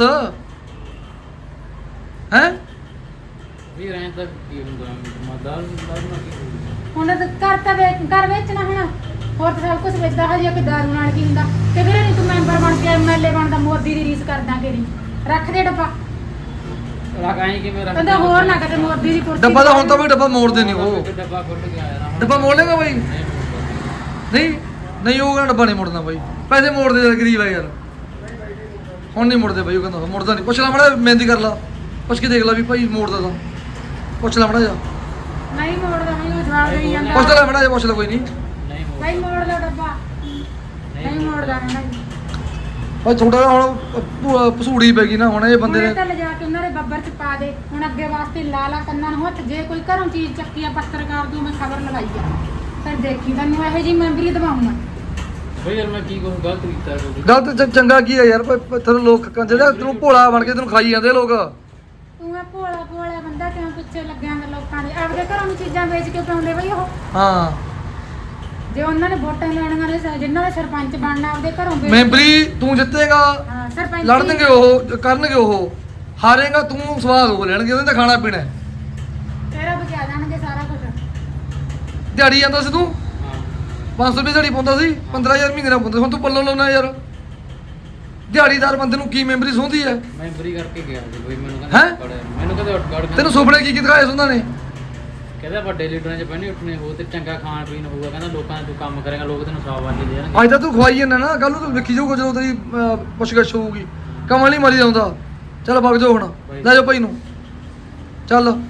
ਹੈ
ਵੀ ਰਹਿਣ ਤੱਕ ਕੀ ਹੁੰਦਾ ਦਾਰੂ ਨਾਲ ਕੀ ਹੋਊਗਾ
ਹੁਣ ਤਾਂ ਘਰ ਤਾਂ ਘਰ ਵੇਚਣਾ ਹੁਣ ਹੋਰ ਤਾਂ ਸਭ ਕੁਝ ਵੇਚਦਾ ਹਜੇ ਕਿ ਦਾਰੂ ਨਾਲ ਕੀ ਹੁੰਦਾ ਤੇ ਫਿਰ ਨਹੀਂ ਤੂੰ ਮੈਂਬਰ ਬਣ ਕੇ ਐਮਐਲਏ ਬਣਦਾ ਮੋਦੀ ਦੀ ਰੀਸ ਕਰਦਾ ਕਿਹੜੀ ਰੱਖ ਦੇ ਡੱਬਾ
ਰੱਖ ਆਈ ਕਿਵੇਂ ਰੱਖ
ਕਹਿੰਦਾ ਹੋਰ ਨਾ ਕਦੇ ਮੋਦੀ ਦੀ ਕੁਰਸੀ
ਡੱਬਾ ਤਾਂ ਹੁਣ ਤਾਂ ਵੀ ਡੱਬਾ ਮੋੜਦੇ ਨਹੀਂ ਉਹ
ਡੱਬਾ ਖੁੱਲ ਕੇ ਆਇਆ ਨਾ
ਡੱਬਾ ਮੋੜ ਲੇਗਾ ਬਾਈ
ਨਹੀਂ ਮੁੜਦਾ।
ਨਹੀਂ ਨਹੀਂ ਉਹ ਕਹਿੰਦਾ ਡੱਬਾ ਨਹੀਂ ਮੋੜਨਾ ਬਾਈ ਪੈਸੇ ਮੋੜਦੇ ਯਾਰ ਗਰੀਬ ਹੈ ਯਾਰ ਹੁਣ ਨਹੀਂ ਮੁੜਦੇ ਬਾਈ ਉਹ ਕਹਿੰਦਾ ਮੁੜਦਾ ਨਹੀਂ ਪੁੱਛ ਲੈ ਮੜਾ ਮਹਿੰਦੀ ਕਰ ਲਾ ਪੁੱਛ ਕੇ ਦੇਖ ਲੈ ਵੀ ਭਾਈ ਮੋੜਦਾ ਤਾਂ ਪੁੱਛ ਲੈ ਮੜਾ ਜਾ
ਨਹੀਂ ਮੋੜਦਾ ਨਹੀਂ ਉਹ ਜਵਾਬ ਦੇਈ ਜਾਂਦਾ
ਪੁੱਛ ਲੈ ਮੜਾ ਜਾ ਪੁੱਛ ਲੈ ਕੋਈ ਨਹੀਂ
ਨਹੀਂ ਮੁੜਦਾ।
ਭਾਈ ਮੋੜ ਲਓ ਡੱਬਾ ਨਹੀਂ ਮੋੜਦਾ ਨਹੀਂ
ਭਾਈ ਥੋੜਾ ਜਿਹਾ ਹੁਣ ਪਸੂੜੀ ਪੈ ਗਈ ਨਾ ਹੁਣ ਇਹ ਬੰਦੇ
ਉਹਨੇ
ਨੇ
ਤਾਂ ਲਿਜਾ ਕੇ ਉਹਨਾਂ ਦੇ ਬੱਬਰ ਚ ਪਾ ਦੇ ਹੁਣ ਅੱਗੇ ਵਾਸਤੇ ਲਾ ਲਾ ਕੰਨਾਂ ਨੂੰ ਹੱਥ ਜੇ ਕੋਈ ਘਰੋਂ ਚੀਜ਼ ਚੱਕੀ ਆ ਪੱਤਰਕਾਰ ਦੀ ਮੈਂ ਖਬਰ ਲਗਾਈ ਆ ਫਿਰ ਦੇਖੀ ਤੈਨੂੰ ਇਹੋ ਜੀ ਮੈਂਬਰੀ ਦਵਾਉਂਗਾ
ਬਈ ਯਾਰ ਮੈਂ ਕੀ ਕਹੂੰ ਗਲਤ ਕੀਤਾ ਕੋਈ
ਗਲਤ ਚੰਗਾ ਕੀ ਹੈ ਯਾਰ ਤੈਨੂੰ ਲੋਕ ਜਿਹੜਾ ਤੈਨੂੰ ਭੋਲਾ ਬਣ ਕੇ ਤੈਨੂੰ ਖਾਈ ਜਾਂਦੇ ਲੋਕ
ਤੂੰ ਇਹ ਭੋਲਾ ਬੰਦਾ ਕਿਉਂ ਪਿੱਛੇ ਲੱਗਿਆ ਗਾ ਲੋਕਾਂ ਦੇ ਆਪਦੇ ਘਰੋਂ ਨੂੰ ਚੀਜ਼ਾਂ ਵੇਚ ਕੇ ਪਾਉਂਦੇ ਬਈ ਉਹ
ਹਾਂ
ਜੇ ਉਹਨਾਂ ਨੇ ਵੋਟਾਂ ਲੈਣੀਆਂ ਨੇ ਜਿਨ੍ਹਾਂ ਦਾ ਸਰਪੰਚ ਬਣਨਾ ਆਪਦੇ ਘਰੋਂ ਵੇਚ
ਮੈਂਬਰੀ ਤੂੰ ਜਿੱਤੇਗਾ
ਹਾਂ ਸਰਪੰਚ
ਲੜਨਗੇ ਉਹ ਕਰਨਗੇ ਉਹ ਹਾਰੇਗਾ ਤੂੰ ਸਵਾਦ ਹੋ ਲੈਣਗੇ ਉਹਨੇ ਤਾਂ ਖਾਣਾ ਪੀਣਾ ਹੈ।
ਤੇਰਾ ਬਚਾ ਜਾਣਗੇ ਸਾਰਾ ਕੁਝ
ਦਿਹਾੜੀ ਜਾਂਦਾ ਸੀ ਤੂੰ
ਹਾਂ
500 ਰੁਪਏ ਦਿਹਾੜੀ ਪਾਉਂਦਾ ਸੀ 15000 ਮਹੀਨੇ ਦਾ ਪਾਉਂਦਾ ਸੀ, ਹੁਣ ਤੂੰ ਪੱਲੋਂ ਲਾਉਣਾ ਯਾਰ ਦਿਹਾੜੀਦਾਰ ਬੰਦੇ ਨੂੰ ਕੀ ਮੈਂਬਰੀ ਸੌਂਦੀ ਹੈ
ਮੈਂਬਰੀ ਕਰਕੇ ਗਿਆ ਸੀ ਬਈ ਮੈਨੂੰ
ਹੈਂ?
ਕਹਿੰਦਾ ਮੈਨੂੰ ਕਹਿੰਦੇ ਉੱਠ ਗੜ
ਤੈਨੂੰ ਸੁਪਨੇ ਕੀ ਦਿਖਾਏ ਸੀ ਉਹਨਾਂ ਨੇ
ਕਹਿੰਦਾ ਵੱਡੇ ਲੀਡਰਾਂ 'ਚ ਬਹਿਣੀ ਉੱਠਣੇ ਹੋ ਤੇ ਚੰਗਾ ਖਾਣ ਪੀਣ ਹੋਊਗਾ ਕਹਿੰਦਾ ਲੋਕਾਂ 'ਚ ਤੂੰ ਕੰਮ ਕਰੇਗਾ ਲੋਕ ਤੈਨੂੰ ਸਾਵਾਲੀ ਦੇ ਦੇਣਗੇ
ਅੱਜ ਤਾਂ ਤੂੰ ਖਵਾਈ ਜਾਂਦਾ ਨਾ ਕੱਲ ਨੂੰ ਤੂੰ ਵੇਖੀ ਜਾਊਗਾ ਜਦੋਂ ਤੇਰੀ ਪੁੱਛਗਛ ਹੋਊਗੀ ਕਮਲ ਨਹੀਂ ਮਰੀ ਜਾਂਦਾ ਚੱਲ ਵਗ ਜਾਓ ਹੁਣ ਲੈ ਜਾਓ ਭਾਈ ਨੂੰ ਚੱਲ